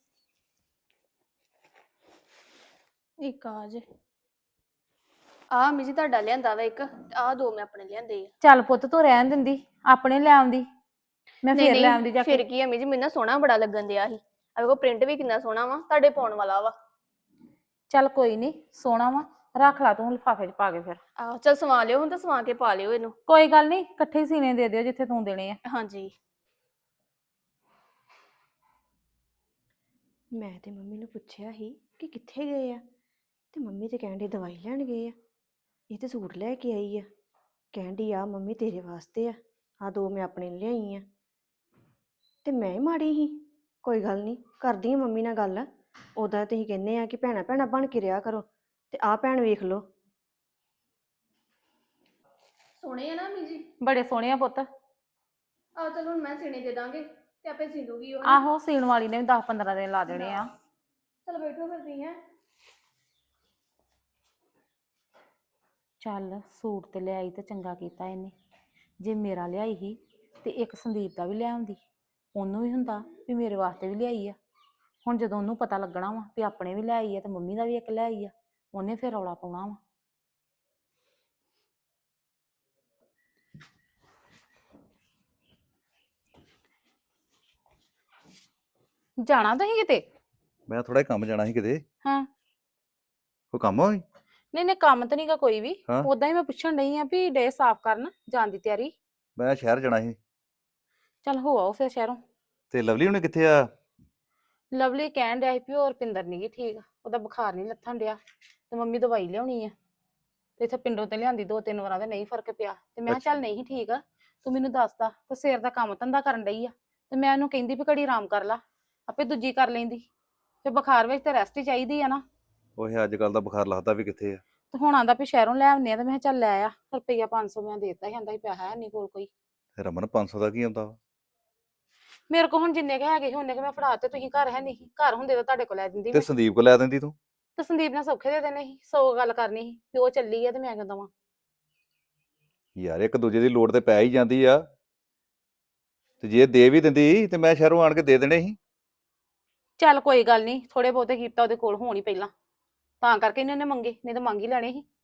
Speaker 1: ਇੱਕ ਆ ਜੇ ਆ ਅਮੀ ਜੀ ਤੁਹਾਡਾ ਲਿਆਂਦਾ ਵਾ ਇੱਕ, ਤੇ ਆਹ ਦੋ ਮੈਂ ਆਪਣੇ ਲਿਆਂਦੇ ਆ।
Speaker 4: ਚੱਲ ਪੁੱਤ ਤੂੰ ਰਹਿਣ ਦਿੰਦੀ, ਆਪਣੇ ਲੈ ਆਉਂਦੀ, ਮੈਂ
Speaker 1: ਨਹੀਂ
Speaker 4: ਫੇਰ ਲੈ ਆਉਂਦੀ
Speaker 1: ਨਹੀਂ
Speaker 4: ਜਾ
Speaker 1: ਫਿਰ
Speaker 4: ਕੇ।
Speaker 1: ਕੀ ਅਮੀ ਜੀ, ਮੈਨੂੰ ਨਾ ਸੋਹਣਾ ਬੜਾ ਲੱਗਣ ਦਿਆ ਸੀ। ਆ ਵੇਖੋ ਪ੍ਰਿੰਟ ਵੀ ਕਿੰਨਾ ਸੋਹਣਾ ਵਾ, ਤੁਹਾਡੇ ਪਾਉਣ ਵਾਲਾ ਵਾ।
Speaker 4: ਚੱਲ ਕੋਈ ਨਹੀਂ ਸੋਹਣਾ ਵਾ, ਰੱਖ ਲਾ ਤੂੰ ਲਿਫਾਫੇ 'ਚ ਪਾ ਕੇ ਫਿਰ।
Speaker 1: ਆਹੋ ਚਲ ਸਵਾ ਲਿਓ ਹੁਣ, ਤਾਂ ਸਵਾ ਕੇ ਪਾ ਲਿਓ ਇਹਨੂੰ।
Speaker 4: ਕੋਈ ਗੱਲ ਨਹੀਂ ਇਕੱਠੇ ਹੀ ਸੀਨੇ ਦੇ ਦਿਓ ਜਿੱਥੇ ਤੂੰ ਦੇਣੇ ਆ।
Speaker 1: ਹਾਂਜੀ
Speaker 3: ਮੈਂ ਤੇ ਮੰਮੀ ਨੂੰ ਪੁੱਛਿਆ ਸੀ ਕਿ ਕਿੱਥੇ ਗਏ ਆ ਤੇ ਮੰਮੀ ਤੇ ਕਹਿਣ ਡਈ ਦਵਾਈ ਲੈਣ ਗਏ ਆ। ਇਹ ਤੇ ਸੂਟ ਲੈ ਕੇ ਆਈ ਆ, ਕਹਿਣ ਡਈ ਆ ਮੰਮੀ ਤੇਰੇ ਵਾਸਤੇ ਆ, ਆ ਦੋ ਮੈਂ ਆਪਣੇ ਲਈ ਲਿਆਈ ਆ। ਤੇ ਮੈਂ ਹੀ ਮਾੜੀ ਸੀ। ਕੋਈ ਗੱਲ ਨਹੀਂ ਕਰਦੀ ਆ ਮੰਮੀ ਨਾਲ ਗੱਲ। ਉਦਾਂ ਤੁਸੀਂ ਕਹਿੰਦੇ ਆ ਕਿ ਭੈਣਾ ਭੈਣਾ ਬਣ ਕੇ ਰਿਹਾ ਕਰੋ, ਤੇ ਆਹ ਭੈਣ ਵੇਖ ਲਓ।
Speaker 1: ਸੋਹਣੇ ਆ ਨਾ ਅਮੀ ਜੀ।
Speaker 4: ਬੜੇ ਸੋਹਣੇ ਆ ਪੁੱਤ।
Speaker 1: ਆ ਚਲੋ ਹੁਣ ਮੈਂ ਸੀਨੇ ਦੇ ਦਾਂਗੇ ਤੇ ਆਪੇ ਸੀ ਦੂਗੀ ਉਹ।
Speaker 4: ਆਹੋ ਸੀਣ ਵਾਲੀ ਨੇ ਵੀ ਦਸ ਪੰਦਰਾਂ ਦਿਨ ਲਾ ਦੇਣੇ ਆ।
Speaker 1: ਚਲ ਬੈਠੋ ਫਿਰ ਤੁਸੀਂ ਹੈ।
Speaker 4: ਚੱਲ ਸੂਟ ਤੇ ਲਿਆਈ ਤੇ ਚੰਗਾ ਕੀਤਾ ਇਹਨੇ। ਜੇ ਮੇਰਾ ਲਿਆਈ ਸੀ ਤੇ ਇੱਕ ਸੰਦੀਪ ਦਾ ਵੀ ਲਿਆਉਂਦੀ, ਉਹਨੂੰ ਵੀ ਹੁੰਦਾ ਵੀ ਮੇਰੇ ਵਾਸਤੇ ਵੀ ਲਿਆਈ ਆ। ਹੁਣ ਜਦੋਂ ਉਹਨੂੰ ਪਤਾ ਲੱਗਣਾ ਵਾ ਵੀ ਆਪਣੇ ਵੀ ਲਿਆਈ ਆ ਤੇ ਮੰਮੀ ਦਾ ਵੀ ਇੱਕ ਲਿਆਈ ਆ, ਉਹਨੇ ਫਿਰ ਰੌਲਾ ਪਾਉਣਾ ਵਾ। ਜਾਣਾ ਤੁਸੀਂ ਕਿਤੇ?
Speaker 6: ਮੈਂ ਥੋੜਾ ਕੰਮ ਜਾਣਾ ਸੀ ਕਿਤੇ।
Speaker 4: ਹਾਂ।
Speaker 6: ਕੋਈ ਕੰਮ ਹੋਈ?
Speaker 4: ਨਹੀਂ ਨਹੀਂ, ਕੰਮ ਤਾਂ ਨਹੀਂਗਾ ਕੋਈ ਵੀ।
Speaker 6: ਹਾਂ।
Speaker 4: ਉਦਾਂ ਹੀ ਮੈਂ ਪੁੱਛਣ ਡਈ ਆ ਵੀ ਡੇ ਸਾਫ਼ ਕਰਨ ਜਾਣ ਦੀ ਤਿਆਰੀ।
Speaker 6: ਮੈਂ ਸ਼ਹਿਰ ਜਾਣਾ ਸੀ।
Speaker 4: ਚੱਲ ਹੋ ਆਓ ਫਿਰ ਸ਼ਹਿਰੋਂ।
Speaker 6: ਤੇ ਲਵਲੀ ਹੁਣੇ ਕਿੱਥੇ ਆ?
Speaker 4: ਲਵਲੀ ਕਹਿਣ ਡਿਆ ਸੀ ਵੀ ਹੋਰ ਰੁਪਿੰਦਰ ਨੀ ਗੀ ਠੀਕ, ਉਹਦਾ ਬੁਖਾਰ ਨਹੀਂ ਲੱਥਣ ਡਿਆ ਤੇ ਮੰਮੀ ਦਵਾਈ ਲਿਆਉਣੀ ਆ ਤੇ ਇੱਥੇ ਪਿੰਡੋਂ ਤੇ ਲਿਆਂਦੀ ਦੋ ਤਿੰਨ ਵਾਰਾਂ ਤੇ ਨਹੀਂ ਫਰਕ ਪਿਆ ਤੇ ਮੈਂ ਕਿਹਾ ਚੱਲ ਨਹੀਂ ਠੀਕ ਆ ਤੂੰ ਮੈਨੂੰ ਦੱਸਦਾ ਤੇ ਸਵੇਰ ਦਾ ਕੰਮ ਧੰਦਾ ਕਰਨ ਡਈ ਆ ਤੇ ਮੈਂ ਉਹਨੂੰ ਕਹਿੰਦੀ ਵੀ ਘੜੀ ਆਰਾਮ ਕਰ ਲਾ, ਆਪੇ ਦੂਜੀ ਕਰ ਲੈਂਦੀ। ਤੇ ਬੁਖਾਰ ਵਿੱਚ ਤੇ ਰੈਸਟ ਹੀ ਚਾਹੀਦੀ ਆ ਨਾ।
Speaker 6: ਉਹ ਅੱਜ ਕੱਲ ਦਾ ਬੁਖਾਰ ਲੱਗਦਾ ਵੀ ਕਿੱਥੇ ਆ।
Speaker 4: ਤੇ ਹੁਣ ਆਂਦਾ ਵੀ ਸ਼ਹਿਰੋਂ ਲੈ ਆਉਂਦੇ ਆ ਤੇ ਮੈਂ ਕਿਹਾ ਚੱਲ ਲੈ ਆ। ਰੁਪਈਆ ਪੰਜ ਸੌ ਮੈਂ ਦੇਤਾ ਸੀ, ਆਂਦਾ ਸੀ ਪੈਸਾ ਹੈ ਨਹੀਂ ਕੋਲ ਕੋਈ।
Speaker 6: ਤੇ ਰਮਨ ਪੰਜ ਸੌ ਦਾ ਕੀ ਆਉਂਦਾ ਵਾ?
Speaker 4: ਮੇਰੇ ਕੋਲ ਹੁਣ ਜਿੰਨੇ ਕੁ ਹੈਗੇ ਸੀ ਉਹਨੇ ਕੁ ਮੈਂ ਫੜਾ ਤੇ, ਤੁਸੀਂ ਘਰ ਹੈ ਨਹੀਂ, ਘਰ ਹੁੰਦੇ ਤਾਂ ਤੁਹਾਡੇ ਕੋਲ ਲੈ ਦਿੰਦੀ
Speaker 6: ਤੇ
Speaker 4: ਮੈਂ।
Speaker 6: ਸੰਦੀਪ ਕੋ ਲੈ ਦਿੰਦੀ ਤੂੰ।
Speaker 4: ਤੇ ਸੰਦੀਪ ਨੇ ਸੌਖੇ ਦੇ ਦੇਣੇ ਸੀ, ਸੌ ਗੱਲ ਕਰਨੀ ਸੀ ਵੀ ਉਹ ਚੱਲੀ ਆ ਤੇ ਮੈਂ ਕਿਉਂ ਦਵਾਂ।
Speaker 6: ਯਾਰ ਇੱਕ ਦੂਜੇ ਦੀ ਲੋੜ ਤੇ ਪੈ ਹੀ ਜਾਂਦੀ ਆ, ਤੇ ਜੇ ਦੇ ਵੀ ਦਿੰਦੀ ਤੇ ਮੈਂ ਸ਼ਹਿਰੋਂ ਆਣ ਕੇ ਦੇ ਦੇਣੇ ਸੀ।
Speaker 4: ਚੱਲ ਕੋਈ ਗੱਲ ਨਹੀਂ, ਥੋੜੇ ਬਹੁਤੇ ਕੀਤਾ ਉਹਦੇ ਕੋਲ ਹੋਣ ਹੀ ਪਹਿਲਾਂ, ਤਾਂ ਕਰਕੇ ਇਹਨਾਂ ਨੇ ਮੰਗੇ, ਨਹੀਂ ਤਾਂ ਮੰਗ ਹੀ ਲੈਣੇ ਸੀ।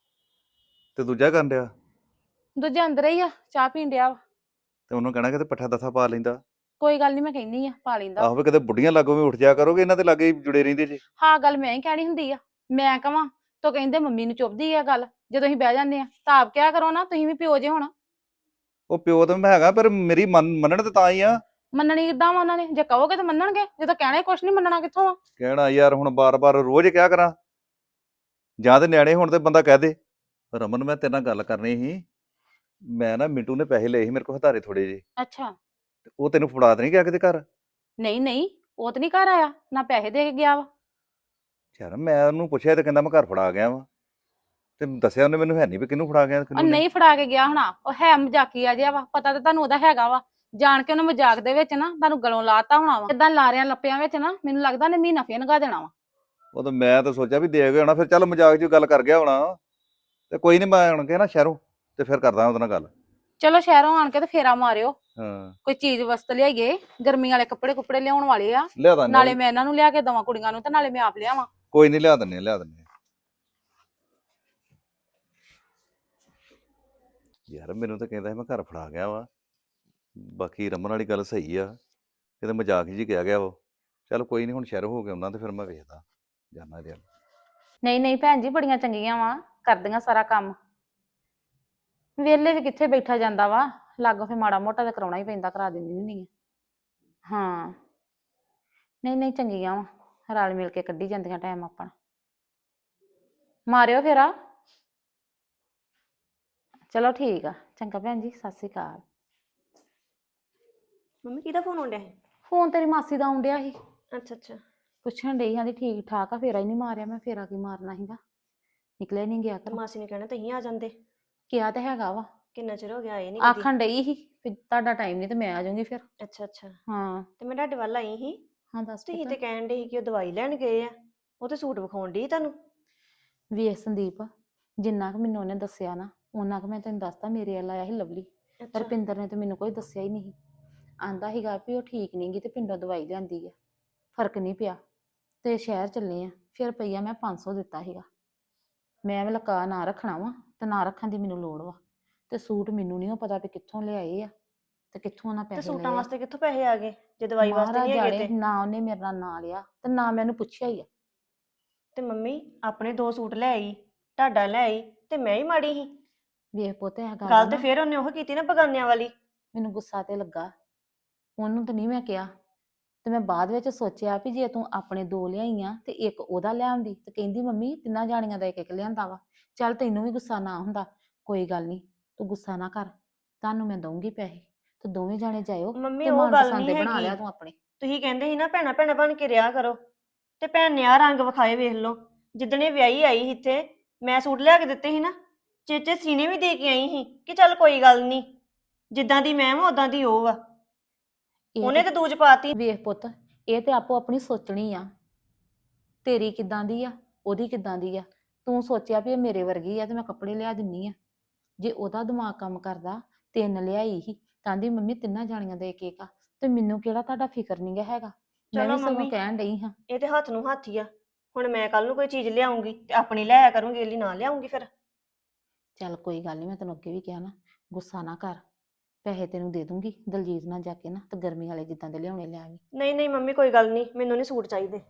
Speaker 6: ਤੇ ਦੂਜਾ ਕਰਨ ਡਿਆ
Speaker 4: ਦੂਜੇ ਅੰਦਰ ਹੀ ਆ, ਚਾਹ ਪੀਣ ਡਿਆ ਵਾ।
Speaker 6: ਤੇ ਉਹਨੂੰ ਕਹਿਣਾ ਕਿ ਪੱਠਾ ਦਸਾ ਪਾ ਲੈਂਦਾ।
Speaker 4: ਕੋਈ ਗੱਲ ਨਹੀਂ, ਮੈਂ ਕਹਿੰਦੀ ਆ ਪਾ ਲੈਂਦਾ।
Speaker 6: ਆਹੋ ਵੀ ਕਿਤੇ ਬੁੱਢੀਆਂ ਲਾਗੋਂ ਵੀ ਉੱਠ ਜਾ ਕਰੋਗੇ, ਇਹਨਾਂ ਦੇ ਲਾਗੇ ਹੀ ਜੁੜੇ ਰਹਿੰਦੇ ਜੀ।
Speaker 4: ਹਾਂ ਗੱਲ ਮੈਂ ਹੀ ਕਹਿਣੀ ਹੁੰਦੀ ਆ, ਮੈਂ ਕਵਾਂ ਤਾਂ ਕਹਿੰਦੇ ਮੰਮੀ ਨੂੰ ਚੁੱਭਦੀ ਆ ਗੱਲ ਜਦੋਂ ਅਸੀਂ ਬਹਿ ਜਾਂਦੇ ਆ, ਤਾਂ ਆਪ ਕਿਹਾ ਕਰੋ ਨਾ, ਤੁਸੀਂ ਵੀ ਪਿਓ ਜੇ ਹੁਣ।
Speaker 6: ਉਹ ਪਿਓ ਤਾਂ ਮੈਂ ਹੈਗਾ, ਪਰ ਮੇਰੀ ਮੰਨ- ਮੰਨਣ ਤੇ ਤਾਂ ਹੀ ਆ।
Speaker 4: ਮੰਨਣੀ ਕਿੱਦਾਂ ਵਾ ਉਹਨਾਂ ਨੇ? ਜੇ ਕਹੋਗੇ ਤਾਂ ਮੰਨਣਗੇ, ਜਦੋਂ ਕਹਿਣਾ ਕੁਛ ਨਹੀਂ ਮੰਨਣਾ ਕਿੱਥੋਂ ਆ।
Speaker 6: ਕਹਿਣਾ ਯਾਰ ਹੁਣ ਬਾਰ-ਬਾਰ ਰੋਜ਼ ਕਿਆ ਕਰਾਂ, ਜਾਂ ਤੇ ਨਿਆਣੇ ਹੁਣ ਤੇ ਬੰਦਾ ਕਹਿ ਦੇ। ਰਮਨ ਮੈਂ ਤੇਰੇ ਨਾਲ ਗੱਲ ਕਰਨੀ ਸੀ, ਮੈਂ ਨਾ ਮਿੰਟੂ ਨੇ ਪੈਸੇ ਲਏ ਸੀ ਮੇਰੇ ਕੋਲ ਹਤਾਰੇ ਥੋੜੇ ਜਿਹੇ,
Speaker 4: ਅੱਛਾ।
Speaker 6: ਤੇ ਉਹ ਤੈਨੂੰ ਫੜਾ ਤੇ ਨਹੀਂ ਗਿਆ ਕਿਤੇ ਘਰ?
Speaker 4: ਨਹੀਂ ਨਹੀਂ, ਉਹ ਤਾਂ ਨਹੀਂ ਘਰ ਆਇਆ, ਨਾ ਪੈਸੇ ਦੇ ਕੇ ਗਿਆ ਵਾ।
Speaker 6: ਯਾਰ ਮੈਂ ਉਹਨੂੰ ਪੁੱਛਿਆ ਤੇ ਕਹਿੰਦਾ ਮੈਂ ਘਰ ਫੜਾ ਗਿਆ ਵਾ, ਤੇ ਦੱਸਿਆ ਉਹਨੇ ਮੈਨੂੰ ਹੈ ਨਹੀਂ ਵੀ ਕਿਹਨੂੰ ਫੜਾ ਗਿਆ
Speaker 4: ਉਹ
Speaker 6: ਕਿਹਨੂੰ ਨਹੀਂ।
Speaker 4: ਨਹੀਂ ਫੜਾ ਕੇ ਗਿਆ ਹੋਣਾ, ਉਹ ਹੈ ਮਜ਼ਾਕੀਆ ਜਿਹਾ ਵਾ, ਪਤਾ ਤਾਂ ਤੁਹਾਨੂੰ ਉਹਦਾ ਹੈਗਾ ਵਾ। ਜਾਣ ਕੇ ਉਹਨੇ ਮਜ਼ਾਕ ਦੇ ਵਿੱਚ ਨਾ ਤੁਹਾਨੂੰ ਗਲੋਂ ਲਾਤਾ ਹੋਣਾ ਵਾ, ਇਦਾਂ ਲਾਰਿਆਂ ਲੱਪਿਆਂ ਵਿੱਚ ਨਾ ਮੈਨੂੰ ਲੱਗਦਾ ਨੇ ਮਹੀਨਾ ਫੇਰ ਨਗਾ ਦੇਣਾ ਵਾ।
Speaker 6: ਉਹ ਤਾਂ ਮੈਂ ਤਾਂ ਸੋਚਿਆ ਵੀ ਦੇ ਗਿਆ ਹੋਣਾ, ਫਿਰ ਚੱਲ ਮਜ਼ਾਕ 'ਚ ਗੱਲ ਕਰ ਗਿਆ ਹੋਣਾ। ਤੇ ਕੋਈ ਨਹੀਂ, ਮੈਂ ਆਣ ਕੇ ਨਾ ਸ਼ਹਿਰੋਂ ਤੇ ਫਿਰ ਕਰਦਾ ਉਹਦੇ ਨਾਲ ਗੱਲ।
Speaker 4: ਚਲੋ ਸ਼ਹਿਰੋਂ ਆਣ ਕੇ ਤੇ ਫੇਰਾ ਮਾਰਿਓ,
Speaker 6: ਹਾਂ
Speaker 4: ਕੋਈ ਚੀਜ਼ ਵਸਤ ਲਿਆਈਏ, ਗਰਮੀ ਵਾਲੇ ਕੱਪੜੇ ਕੁੱਪੜੇ ਲਿਆਉਣ ਵਾਲੇ ਆ,
Speaker 6: ਲਿਆ ਦਾਂ
Speaker 4: ਨਾਲੇ ਮੈਂ ਇਹਨਾਂ ਨੂੰ ਲਿਆ ਕੇ ਦਵਾਂ ਕੁੜੀਆਂ ਨੂੰ ਤੇ ਨਾਲੇ ਮੈਂ ਆਪ ਲਿਆਵਾਂ।
Speaker 6: ਕੋਈ ਨਹੀਂ, ਲਿਆ ਦਿੰਨੇ ਲਿਆ ਦਿੰਨੇ ਯਾਰ ਮੈਨੂੰ ਤਾਂ ਕਹਿੰਦਾ ਸੀ ਮੈਂ ਘਰ ਫੜਾ ਗਿਆ ਵਾ, ਬਾਕੀ ਰਮਨ ਵਾਲੀ ਗੱਲ ਸਹੀ ਆ, ਇਹ ਤਾਂ ਮਜ਼ਾਕ ਜੀ ਕਿਹਾ ਗਿਆ ਵਾ। ਚੱਲ ਕੋਈ ਨਹੀਂ, ਹੁਣ ਸ਼ਹਿਰੋਂ ਹੋ ਕੇ ਆਉਣਾ ਤੇ ਫਿਰ ਮੈਂ ਵੇਖਦਾ ਜਾਨਾ ਇਹਦੇ ਵੱਲ।
Speaker 4: ਨਹੀਂ ਨਹੀਂ ਭੈਣ ਜੀ, ਬੜੀਆਂ ਚੰਗੀਆਂ ਵਾ, ਕਰਦੀਆਂ ਸਾਰਾ ਕੰਮ। ਵਿਹਲੇ ਵੀ ਕਿੱਥੇ ਬੈਠਾ ਜਾਂਦਾ ਵਾ, ਲਾਗੋਂ ਫੇ ਮਾੜਾ ਮੋਟਾ ਤਾਂ ਕਰਾਉਣਾ ਹੀ ਪੈਂਦਾ, ਕਰਾ ਦਿੰਦੀ ਹੁੰਦੀ ਆ। ਹਾਂ ਨਹੀਂ ਨਹੀਂ, ਚੰਗੀਆਂ ਵਾ, ਰਲ ਮਿਲ ਕੇ ਕੱਢੀ ਜਾਂਦੀਆਂ ਟਾਈਮ ਆਪਣਾ। ਮਾਰਿਓ ਫੇਰਾ। ਚਲੋ ਠੀਕ ਆ, ਚੰਗਾ ਭੈਣ ਜੀ, ਸਤਿ ਸ਼੍ਰੀ ਅਕਾਲ।
Speaker 3: ਮੰਮੀ ਕਿਹਦਾ ਫੋਨ ਆਉਣ ਡਿਆ ਸੀ?
Speaker 4: ਫੋਨ ਤੇਰੀ ਮਾਸੀ ਦਾ ਆਉਣ ਡਿਆ ਸੀ,
Speaker 3: ਅੱਛਾ ਅੱਛਾ।
Speaker 4: ਪੁੱਛਣ ਡਈ ਆਂਦੀ ਠੀਕ ਠਾਕ ਆ, ਫੇਰਾ ਹੀ ਨਹੀਂ ਮਾਰਿਆ। ਮੈਂ ਫੇਰਾ ਕੀ ਮਾਰਨਾ ਸੀਗਾ, ਨਿਕਲਿਆ ਨਹੀਂ ਗਿਆ
Speaker 3: ਤੇ
Speaker 4: ਘਰੋਂ।
Speaker 3: ਮਾਸੀ ਨੇ ਕਹਿਣਾ ਤੁਸੀਂ ਆ ਜਾਂਦੇ,
Speaker 4: ਕਿਹਾ ਤੇ ਹੈਗਾ ਵਾ,
Speaker 3: ਕਿੰਨਾ ਚਿਰ ਹੋ ਗਿਆ ਆਏ ਨਹੀਂ ਕਦੀ।
Speaker 4: ਆਖਣ ਡਈ ਸੀ ਵੀ ਤੁਹਾਡਾ ਟਾਈਮ ਨਹੀਂ ਤੇ ਮੈਂ ਆ ਜਾਊਂਗੀ ਫਿਰ।
Speaker 3: ਅੱਛਾ ਅੱਛਾ।
Speaker 4: ਹਾਂ
Speaker 3: ਤੇ ਮੈਂ ਤੁਹਾਡੇ ਵੱਲ ਆਈ ਸੀ,
Speaker 4: ਹਾਂ ਦੱਸ
Speaker 3: ਤੁਸੀਂ
Speaker 4: ਪੁੱਤ।
Speaker 3: ਤੇ ਕਹਿਣ ਦੇ ਸੀ ਕਿ ਉਹ ਦਵਾਈ ਲੈਣ ਗਏ ਆ, ਉਹ ਤੇ ਸੂਟ ਵਿਖਾਉਣ ਡਈ ਤੁਹਾਨੂੰ।
Speaker 4: ਵੇਖ ਸੰਦੀਪ, ਜਿੰਨਾ ਕੁ ਮੈਨੂੰ ਉਹਨੇ ਦੱਸਿਆ ਨਾ, ਉਹਨਾਂ ਕੁ ਮੈਂ ਤੈਨੂੰ ਦੱਸਦਾ। ਮੇਰੇ ਵੱਲ ਆਇਆ ਸੀ ਲਵਲੀ,
Speaker 3: ਅੱਛਾ
Speaker 4: ਰੁਪਿੰਦਰ ਨੇ ਤੇ ਮੈਨੂੰ ਕੋਈ ਦੱਸਿਆ ਹੀ ਨਹੀਂ। ਆਂਦਾ ਸੀਗਾ ਵੀ ਉਹ ਠੀਕ ਨਹੀਂ ਗੀ ਤੇ ਪਿੰਡੋਂ ਦਵਾਈ ਲਿਆਂਦੀ ਆ, ਫਰਕ ਨਹੀਂ ਪਿਆ ਤੇ ਸ਼ਹਿਰ ਚੱਲੇ ਆ। ਫਿਰ ਰੁਪਈਆ ਮੈਂ ਪੰਜ ਸੌ ਦਿੱਤਾ ਸੀਗਾ। ਮੈਂ ਵੀ ਲਕਾ ਨਾ ਰੱਖਣਾ ਵਾ ਤੇ ਨਾ ਰੱਖਣ ਦੀ ਮੈਨੂੰ ਲੋੜ ਵਾ। ਤੇ ਸੂਟ ਮੈਨੂੰ ਨਹੀਂ ਪਤਾ ਵੀ ਕਿੱਥੋਂ ਲਿਆਏ ਆ ਤੇ ਕਿੱਥੋਂ ਉਹਨਾਂ
Speaker 3: ਤੇ
Speaker 4: ਪੈਸੇ
Speaker 3: ਸੂਟਾਂ
Speaker 4: ਲਏ ਆ।
Speaker 3: ਵਾਸਤੇ ਕਿੱਥੋਂ ਪੈਸੇ ਆ ਗਏ ਜੇ ਦਵਾਈ ਵਾਸਤੇ
Speaker 4: ਮਹਾਰਾਜ
Speaker 3: ਨਹੀਂ ਹੈਗੇ
Speaker 4: ਜਾਣੇ,
Speaker 3: ਤੇ?
Speaker 4: ਨਾ ਉਹਨੇ ਮੇਰੇ ਨਾਲ ਨਾਂ ਲਿਆ ਤੇ ਨਾ ਮੈਨੂੰ ਪੁੱਛਿਆ ਹੀ ਆ।
Speaker 3: ਤੇ ਮੰਮੀ ਆਪਣੇ ਦੋ ਸੂਟ ਲੈ ਆਈ, ਤੁਹਾਡਾ ਲੈ ਆਈ, ਤੇ ਮੈਂ ਹੀ ਮਾੜੀ ਸੀ?
Speaker 4: ਵੇਖ ਪੁੱਤ, ਇਹ ਗੱਲ
Speaker 3: ਗੱਲ ਤੇ
Speaker 4: ਨਾ
Speaker 3: ਫੇਰ ਉਹਨੇ ਉਹ ਕੀਤੀ ਨਾ ਬਗਾਨਿਆਂ ਵਾਲੀ।
Speaker 4: ਮੈਨੂੰ ਗੁੱਸਾ ਤੇ ਲੱਗਾ, ਉਹਨੂੰ ਤਾਂ ਨਹੀਂ ਮੈਂ ਕਿਹਾ। ਤੇ ਮੈਂ ਬਾਅਦ ਵਿੱਚ ਸੋਚਿਆ ਵੀ ਜੇ ਤੂੰ ਆਪਣੇ ਦੋ ਲਿਆਈਆਂ ਤੇ ਇੱਕ ਉਹਦਾ ਲਿਆਉਂਦੀ, ਤੇ ਕਹਿੰਦੀ ਮੰਮੀ ਤਿੰਨਾਂ ਜਾਣੀਆਂ ਦਾ ਇੱਕ ਇੱਕ ਲਿਆਂਦਾ ਵਾ। ਚੱਲ ਤੈਨੂੰ ਵੀ ਗੁੱਸਾ ਨਾ ਹੁੰਦਾ, ਕੋਈ ਗੱਲ ਨਹੀਂ, ਤੂੰ ਗੁੱਸਾ ਨਾ ਕਰ, ਤੁਹਾਨੂੰ ਮੈਂ ਦਊਂਗੀ ਪੈਸੇ ਤੇ ਦੋਵੇਂ ਜਾਣੇ ਜਾਇਓ
Speaker 3: ਮੰਮੀ
Speaker 4: ਤੇ
Speaker 3: ਉਹ ਗੱਲ
Speaker 4: ਮਨਪਸੰਦ
Speaker 3: ਨਹੀਂ
Speaker 4: ਦੇ ਬਣਾ
Speaker 3: ਹੈਗੀ।
Speaker 4: ਲਿਆ ਤੂੰ ਆਪਣੇ।
Speaker 3: ਤੁਸੀਂ ਕਹਿੰਦੇ ਸੀ ਨਾ ਭੈਣਾ ਭੈਣਾ ਬਣ ਕੇ ਰਿਹਾ ਕਰੋ, ਤੇ ਭੈਣ ਨੇ ਆ ਰੰਗ ਵਿਖਾਏ ਵੇਖ ਲਓ। ਜਿੱਦਣੇ ਵਿਆਹੀ ਆਈ ਸੀ ਇੱਥੇ, ਮੈਂ ਸੂਟ ਲਿਆ ਕੇ ਦਿੱਤੇ ਸੀ ਨਾ, ਚੇਚੇ ਸੀਨੇ ਵੀ ਦੇ ਕੇ ਆਈ ਸੀ ਕਿ ਚੱਲ ਕੋਈ ਗੱਲ ਨਹੀਂ, ਜਿੱਦਾਂ ਦੀ ਮੈਂ ਵਾਂ ਉਦਾਂ ਦੀ ਉਹ ਵਾ।
Speaker 4: ਇਹ
Speaker 3: ਉਹਨੇ
Speaker 4: ਤੇ
Speaker 3: ਤੇ ਦੂਜ ਪਾਤੀ।
Speaker 4: ਵੇਖ ਪੁੱਤ, ਇਹ ਤੇ ਆਪੋ ਆਪਣੀ ਸੋਚਣੀ ਆ, ਤੇਰੀ ਕਿੱਦਾਂ ਦੀ ਆ, ਉਹਦੀ ਕਿੱਦਾਂ ਦੀ ਆ। ਤੂੰ ਸੋਚਿਆ ਵੀ ਇਹ ਮੇਰੇ ਵਰਗੀ ਆ ਤੇ ਮੈਂ ਕੱਪੜੇ ਲਿਆ ਦਿੰਨੀ ਆ। ਜੇ ਉਹਦਾ ਦਿਮਾਗ ਕੰਮ ਕਰਦਾ, ਤਿੰਨ ਲਿਆਈ ਹੀ ਕਹਿੰਦੀ ਮੰਮੀ ਤਿੰਨਾਂ ਜਾਣੀਆਂ ਦਾ ਇੱਕ ਇੱਕ ਆ, ਤੇ ਮੈਨੂੰ ਕਿਹੜਾ ਤੁਹਾਡਾ ਫਿਕਰ ਨਹੀਂ ਗਾ ਹੈਗਾ। ਮੈਂ
Speaker 3: ਚਲੋ
Speaker 4: ਵੀ ਸਗੋਂ
Speaker 3: ਮੰਮੀ,
Speaker 4: ਕਹਿਣ ਡਈ ਹਾਂ।
Speaker 3: ਇਹ ਤੇ ਹੱਥ ਨੂੰ ਹੱਥ ਹੀ ਆ। ਹੁਣ ਮੈਂ ਕੱਲ ਨੂੰ ਕੋਈ ਚੀਜ਼ ਲਿਆਉਂਗੀ ਤੇ ਆਪਣੀ ਲਿਆਇਆ ਕਰੂੰਗੀ, ਇਹਲੀ ਨਾ ਲਿਆਉਂਗੀ ਫਿਰ।
Speaker 4: ਚੱਲ ਕੋਈ ਗੱਲ ਨਹੀਂ, ਮੈਂ ਤੈਨੂੰ ਅੱਗੇ ਵੀ ਕਿਹਾ ਨਾ, ਗੁੱਸਾ ਨਾ ਕਰ। ਪੈਸੇ ਤੈਨੂੰ ਦੇ ਦੂੰਗੀ ਦਲਜੀਤ ਨਾਲ ਜਾ ਕੇ ਨਾ ਤੇ ਗਰਮੀ ਵਾਲੇ ਜਿੱਦਾਂ ਦੇ ਲਿਆਉਣੇ ਲਿਆਵੀਂ।
Speaker 3: ਨਹੀਂ ਨਹੀਂ ਮੰਮੀ ਕੋਈ ਗੱਲ ਨਹੀਂ, ਮੈਨੂੰ ਨਹੀਂ ਸੂਟ ਚਾਹੀਦੇ।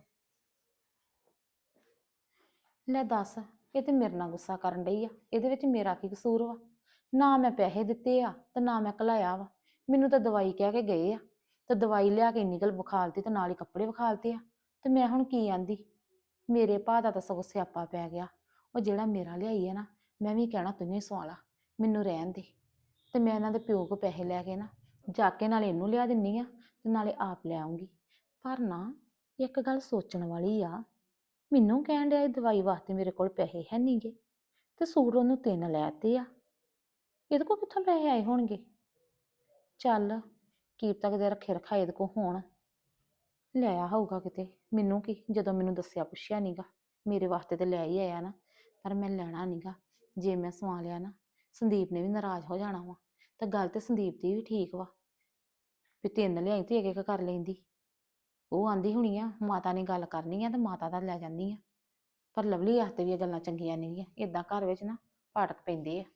Speaker 4: ਲੈ ਦੱਸ, ਇਹ ਤੇ ਮੇਰੇ ਨਾਲ ਗੁੱਸਾ ਕਰਨ ਡਈ ਆ। ਇਹਦੇ ਵਿੱਚ ਮੇਰਾ ਕੀ ਕਸੂਰ ਵਾ? ਨਾ ਮੈਂ ਪੈਸੇ ਦਿੱਤੇ ਆ ਤੇ ਨਾ ਮੈਂ ਘਲਾਇਆ ਵਾ। ਮੈਨੂੰ ਤਾਂ ਦਵਾਈ ਕਹਿ ਕੇ ਗਏ ਆ ਤੇ ਦਵਾਈ ਲਿਆ ਕੇ ਇੰਨੀ ਗੱਲ ਵਿਖਾਲਤੀ ਤੇ ਨਾਲ ਹੀ ਕੱਪੜੇ ਵਿਖਾਲਤੇ ਆ। ਤੇ ਮੈਂ ਹੁਣ ਕੀ ਆਂਦੀ? ਮੇਰੇ ਭਾ ਦਾ ਤਾਂ ਸਗੋਂ ਸਿਆਪਾ ਪੈ ਗਿਆ। ਉਹ ਜਿਹੜਾ ਮੇਰਾ ਲਿਆਈ ਆ ਨਾ, ਮੈਂ ਵੀ ਕਹਿਣਾ ਤੂੰ ਹੀ ਸਵਾਲਾ, ਮੈਨੂੰ ਰਹਿਣ ਦੇ। ਤੇ ਮੈਂ ਇਹਨਾਂ ਦੇ ਪਿਓ ਕੋ ਪੈਸੇ ਲੈ ਕੇ ਨਾ ਜਾ ਕੇ ਨਾਲੇ ਇਹਨੂੰ ਲਿਆ ਦਿੰਨੀ ਆ ਤੇ ਨਾਲੇ ਆਪ ਲੈ ਆਉਂਗੀ। ਪਰ ਨਾ ਇੱਕ ਗੱਲ ਸੋਚਣ ਵਾਲੀ ਆ, ਮੈਨੂੰ ਕਹਿਣ ਡਿਆ ਇਹ ਦਵਾਈ ਵਾਸਤੇ ਮੇਰੇ ਕੋਲ ਪੈਸੇ ਹੈ ਨਹੀਂਗੇ ਤੇ ਸੂਟ ਉਹਨੂੰ ਤਿੰਨ ਲੈਤੇ ਆ। ਇਹਦੇ ਕੋਲ ਕਿੱਥੋਂ ਪੈਸੇ ਆਏ ਹੋਣਗੇ? ਚੱਲ ਕੀ ਤੱਕ ਦੇ ਰੱਖੇ ਰਖਾਏ ਇਹਦੇ ਕੋਲ ਹੋਣ, ਲਿਆਇਆ ਹੋਊਗਾ ਕਿਤੇ। ਮੈਨੂੰ ਕੀ, ਜਦੋਂ ਮੈਨੂੰ ਦੱਸਿਆ ਪੁੱਛਿਆ ਨੀਗਾ, ਮੇਰੇ ਵਾਸਤੇ ਤੇ ਲੈ ਹੀ ਆਇਆ ਨਾ। ਪਰ ਮੈਂ ਲੈਣਾ ਨੀਗਾ। ਜੇ ਮੈਂ ਸਵਾ ਲਿਆ ਨਾ, ਸੰਦੀਪ ਨੇ ਵੀ ਨਾਰਾਜ਼ ਹੋ ਜਾਣਾ ਵਾ। ਤਾਂ ਗੱਲ ਤੇ ਸੰਦੀਪ ਦੀ ਵੀ ਠੀਕ ਵਾ ਵੀ ਤਿੰਨ ਲਿਆਈ ਤੇ ਇੱਕ ਇੱਕ ਕਰ ਲੈਂਦੀ। ਉਹ ਆਂਦੀ ਹੋਣੀ ਆ ਮਾਤਾ ਨੇ ਗੱਲ ਕਰਨੀ ਆ ਤੇ ਮਾਤਾ ਦਾ ਲੈ ਜਾਂਦੀ ਆ। ਪਰ ਲਵਲੀ ਵਾਸਤੇ ਵੀ ਇਹ ਗੱਲਾਂ ਚੰਗੀਆਂ ਨਹੀਂ ਆ। ਏਦਾਂ ਘਰ ਵਿੱਚ ਨਾ ਪਾਟਕ ਪੈਂਦੇ ਆ।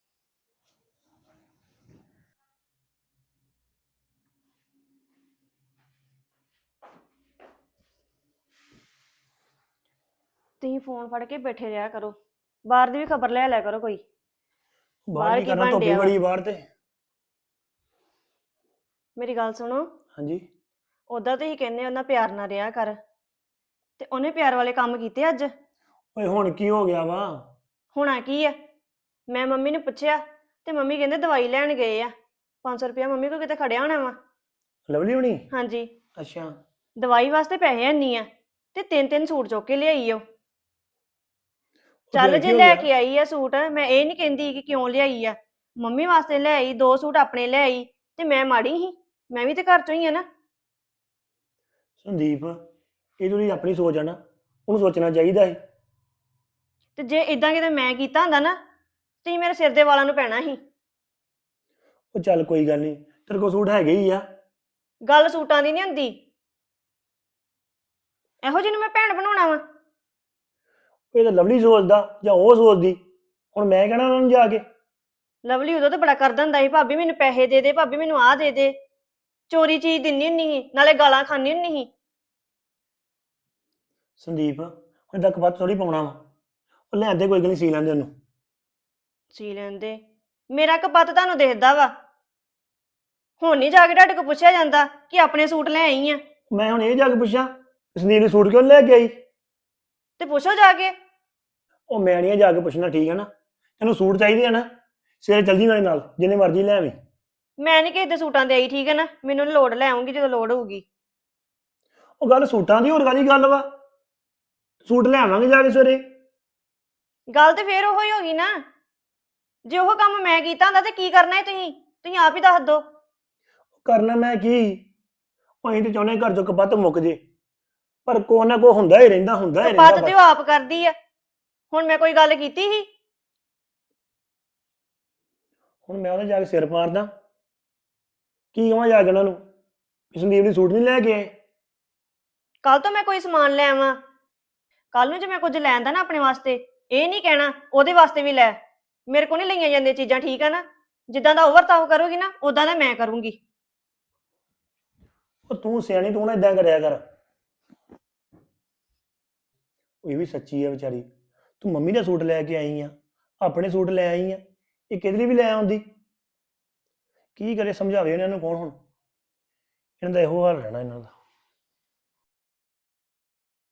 Speaker 3: ਤੁਸੀਂ ਫੋਨ ਫੜ ਕੇ ਬੈਠੇ ਰਿਹਾ ਕਰੋ, ਬਾਹਰ ਦੀ ਵੀ ਖਬਰ ਲੈ ਲਿਆ ਕਰੋ ਕੋਈ। ਬਾਹਰ
Speaker 7: ਬਾਹਰ
Speaker 3: ਕੀ
Speaker 7: ਕੀ ਕਰਨਾ,
Speaker 3: ਬਣ
Speaker 7: ਧੁੱਪੇ
Speaker 3: ਡਿਆ ਵਾ?
Speaker 7: ਬੜੀ ਬਾਹਰ ਤੇ।
Speaker 3: ਮੇਰੀ ਗੱਲ ਸੁਣੋ,
Speaker 7: ਹਾਂਜੀ।
Speaker 3: ਉਦਾਂ ਤੁਸੀਂ ਕਹਿੰਦੇ ਉਹਨਾਂ ਪਿਆਰ ਨਾਲ ਰਿਹਾ ਕਰ, ਤੇ ਉਹਨੇ ਪਿਆਰ ਵਾਲੇ ਕੰਮ ਕੀਤੇ ਅੱਜ।
Speaker 7: ਓਏ ਹੁਣ ਕੀ ਹੋ ਗਿਆ ਵਾ?
Speaker 3: ਹੋਣਾ ਕੀ ਆ? ਮੈਂ ਮੰਮੀ ਨੂੰ ਪੁੱਛਿਆ ਤੇ ਮੰਮੀ ਕਹਿੰਦੇ ਦਵਾਈ ਲੈਣ ਗਏ ਆ। ਪੰਜ ਸੌ ਰੁਪਇਆ ਮੰਮੀ ਕੋਲ ਕਿਤੇ ਖੜਿਆ ਹੋਣਾ ਵਾ।
Speaker 7: ਲਵਲੀ ਹੋਣੀ?
Speaker 3: ਹਾਂਜੀ,
Speaker 7: ਅੱਛਾ।
Speaker 3: ਦਵਾਈ ਵਾਸਤੇ ਪੈਸੇ ਹੈਨੀ ਆ ਤੇ ਤਿੰਨ ਤਿੰਨ ਸੂਟ ਚੁੱਕ ਕੇ ਲਿਆਈ ਉਹ।
Speaker 7: ਉਹ
Speaker 3: ਚੱਲ
Speaker 7: ਫਿਰ
Speaker 3: ਜੇ
Speaker 7: ਕੀ ਹੋ
Speaker 3: ਲੈ
Speaker 7: ਗਿਆ?
Speaker 3: ਕੇ ਆਈ ਆ ਸੂਟ, ਮੈਂ ਇਹ ਨਹੀਂ ਕਹਿੰਦੀ ਕਿ ਕਿਉਂ ਲਿਆਈ ਆ। ਮੰਮੀ ਵਾਸਤੇ ਲੈ ਆਈ, ਦੋ ਸੂਟ ਆਪਣੇ ਲੈ ਆਈ, ਤੇ ਮੈਂ ਮਾੜੀ ਸੀ? ਮੈਂ ਵੀ ਤੇ ਘਰ ਚੋਂ ਹੀ ਆ ਨਾ।
Speaker 7: ਸੰਦੀਪ, ਇਹ ਜਿਹੜੀ ਆਪਣੀ ਸੋਚ ਆ ਨਾ, ਉਹਨੂੰ ਸੋਚਣਾ ਚਾਹੀਦਾ ਹੈ।
Speaker 3: ਤੇ ਜੇ ਇਦਾਂ ਕਿਤੇ ਮੈਂ ਕੀਤਾ ਹੁੰਦਾ ਨਾ, ਤੁਸੀਂ ਮੇਰੇ ਸਿਰ ਦੇ ਵਾਲਾਂ ਨੂੰ ਪੈਣਾ ਸੀ।
Speaker 7: ਉਹ ਚੱਲ ਕੋਈ ਗੱਲ ਨਹੀਂ, ਤੇਰੇ ਕੋਲ ਸੂਟ ਹੈਗੇ ਹੀ ਆ।
Speaker 3: ਗੱਲ ਸੂਟਾਂ ਦੀ ਨਹੀਂ ਹੁੰਦੀ। ਇਹੋ ਜਿਹੀ ਨੂੰ ਮੈਂ ਭੈਣ ਬਣਾਉਣਾ ਵਾ?
Speaker 7: ਇਹ ਤਾਂ ਲਵਲੀ ਸੋਚਦਾ ਜਾਂ ਉਹ ਸੋਚਦੀ। ਹੁਣ ਮੈਂ ਕਹਿਣਾ ਉਹਨਾਂ ਨੂੰ ਜਾ ਕੇ?
Speaker 3: ਲਵਲੀ ਉਦੋਂ ਤਾਂ ਬੜਾ ਕਰਦਾ ਹੁੰਦਾ ਸੀ, ਭਾਬੀ ਮੈਨੂੰ ਪੈਸੇ ਦੇ ਦੇ, ਭਾਬੀ ਮੈਨੂੰ ਆਹ ਦੇ ਦੇ। ਚੋਰੀ ਚੀਜ਼ ਦਿੰਨੀ ਹੁੰਨੀ ਸੀ, ਨਾਲੇ ਗਾਲਾਂ ਖਾਂਦੀ ਹੁੰਨੀ ਸੀ।
Speaker 7: ਸੰਦੀਪ, ਹੁਣ ਤੱਕ ਬਾਤ ਥੋੜੀ ਪਾਉਣਾ ਵਾ। ਉਹ ਲੈਂਦੇ ਕੋਈ ਗੱਲ ਨਹੀਂ, ਸੀ ਲੈਂਦੇ ਉਹਨੂੰ।
Speaker 3: ਸੀ ਲੈਂਦੇ? ਮੇਰਾ ਕਪੱਤ ਤੁਹਾਨੂੰ ਦਿਖਦਾ ਵਾ। ਹੁਣ ਨਹੀਂ ਜਾ ਕੇ ਤੁਹਾਡੇ ਕੋਲ ਪੁੱਛਿਆ ਜਾਂਦਾ ਕਿ ਆਪਣੇ ਸੂਟ ਲੈ ਆਈ ਆ?
Speaker 7: ਮੈਂ ਹੁਣ ਇਹ ਜਾ ਕੇ ਪੁੱਛਾਂ ਸੰਦੀਪ ਨੇ ਸੂਟ ਕਿਉਂ ਨੀ ਲੈ ਕੇ ਆਈ?
Speaker 3: ਤੇ ਪੁੱਛੋ ਜਾ ਕੇ।
Speaker 7: ਉਹ ਮੈਂ ਨਹੀਂ ਜਾ ਕੇ ਪੁੱਛਣਾ, ਠੀਕ ਹੈ ਨਾ? ਤੈਨੂੰ ਸੂਟ ਚਾਹੀਦੇ ਆ ਨਾ, ਸਵੇਰੇ ਚੱਲ ਜੀ ਮੇਰੇ ਨਾਲ, ਜਿੰਨੇ ਮਰਜ਼ੀ ਲੈ ਆਵੀਂ।
Speaker 3: ਮੈਂ ਨਹੀਂ ਕਿਸੇ ਦੇ ਸੂਟਾਂ ਦੇ ਆਈ, ਠੀਕ ਹੈ ਨਾ? ਮੈਨੂੰ ਨੀ ਲੋੜ, ਲੈ ਆਉਂਗੀ ਜਦੋਂ ਲੋੜ ਹੋਊਗੀ।
Speaker 7: ਉਹ ਗੱਲ ਸੂਟਾਂ ਦੀ, ਹੋਰ ਕਾਹਦੀ ਗੱਲ ਵਾ? ਸੂਟ ਲੈ ਆਵਾਂਗੇ ਜਾ ਕੇ ਸਵੇਰੇ।
Speaker 3: ਗੱਲ ਤੇ ਫੇਰ ਉਹੀ ਹੋ ਗਈ ਨਾ। ਜੇ ਉਹ ਕੰਮ ਮੈਂ ਕੀਤਾ ਹੁੰਦਾ ਤੇ ਕੀ ਕਰਨਾ ਹੈ ਤੁਸੀਂ? ਤੁਸੀਂ ਆਪ ਹੀ ਦੱਸ ਦਿਓ।
Speaker 7: ਕਰਨਾ ਮੈਂ ਕੀ? ਉਹ ਅਸੀਂ ਤੇ ਚਾਹੁੰਦੇ ਘਰ ਚੋਂ ਕਪੱਤ ਮੁੱਕ ਜੇ, ਪਰ ਕੋ ਨਾ ਕੋ ਹੁੰਦਾ ਹੀ ਰਹਿੰਦਾ, ਹੁੰਦਾ ਹੀ
Speaker 3: ਕਪੱਤ
Speaker 7: ਰਹਿੰਦਾ
Speaker 3: ਤੇ
Speaker 7: ਬਸ।
Speaker 3: ਉਹ ਆਪ ਕਰਦੀ ਆ। ਹੁਣ ਮੈਂ ਕੋਈ ਗੱਲ ਕੀਤੀ ਸੀ?
Speaker 7: ਹੁਣ ਮੈਂ ਉਹਦੇ ਜਾ ਕੇ ਸਿਰ ਮਾਰਦਾ ਕੀ ਕਹਾਂ ਜਾ ਕੇ ਉਹਨਾਂ ਨੂੰ ਵੀ ਸੰਦੀਪ ਨੇ ਸੂਟ ਨਹੀਂ ਲੈ ਕੇ ਆਏ?
Speaker 3: ਕੱਲ ਤੋਂ ਮੈਂ ਕੋਈ ਸਮਾਨ ਲੈ ਆਵਾਂ? ਕੱਲ ਨੂੰ ਜੇ ਮੈਂ ਕੁਝ ਲੈਂਦਾ ਨਾ ਆਪਣੇ ਵਾਸਤੇ, ਇਹ ਨਹੀਂ ਕਹਿਣਾ ਉਹਦੇ ਵਾਸਤੇ ਵੀ ਲੈ। ਮੇਰੇ ਕੋਲ ਨਹੀਂ ਲਈਆਂ ਜਾਂਦੀਆਂ ਚੀਜ਼ਾਂ, ਠੀਕ ਆ ਨਾ? ਜਿੱਦਾਂ ਦਾ ਉਹ ਵਰਤਾਓ ਕਰੂਗੀ ਨਾ, ਉਦਾਂ ਦਾ ਮੈਂ ਕਰੂੰਗੀ।
Speaker 7: ਉਹ ਤੂੰ ਸਿਆਣੀ, ਤੂੰ ਨਾ ਇਦਾਂ ਕਰਿਆ ਕਰ। ਉਹ ਇਹ ਵੀ ਸੱਚੀ ਹੈ ਵਿਚਾਰੀ। ਤੂੰ ਮੰਮੀ ਦਾ ਸੂਟ ਲੈ ਕੇ ਆਈ ਆ, ਆਪਣੇ ਸੂਟ ਲੈ ਆਈ ਆ, ਇਹ ਕਿਹਦੇ ਲਈ ਵੀ ਲੈ ਆਉਂਦੀ? ਕੀ ਕਰੇ, ਸਮਝਾਵੇ ਇਹਨਾਂ ਨੂੰ ਕੌਣ? ਹੁਣ ਇਹਨਾਂ ਦਾ ਇਹੋ ਹਾਲ ਰਹਿਣਾ ਇਹਨਾਂ ਦਾ।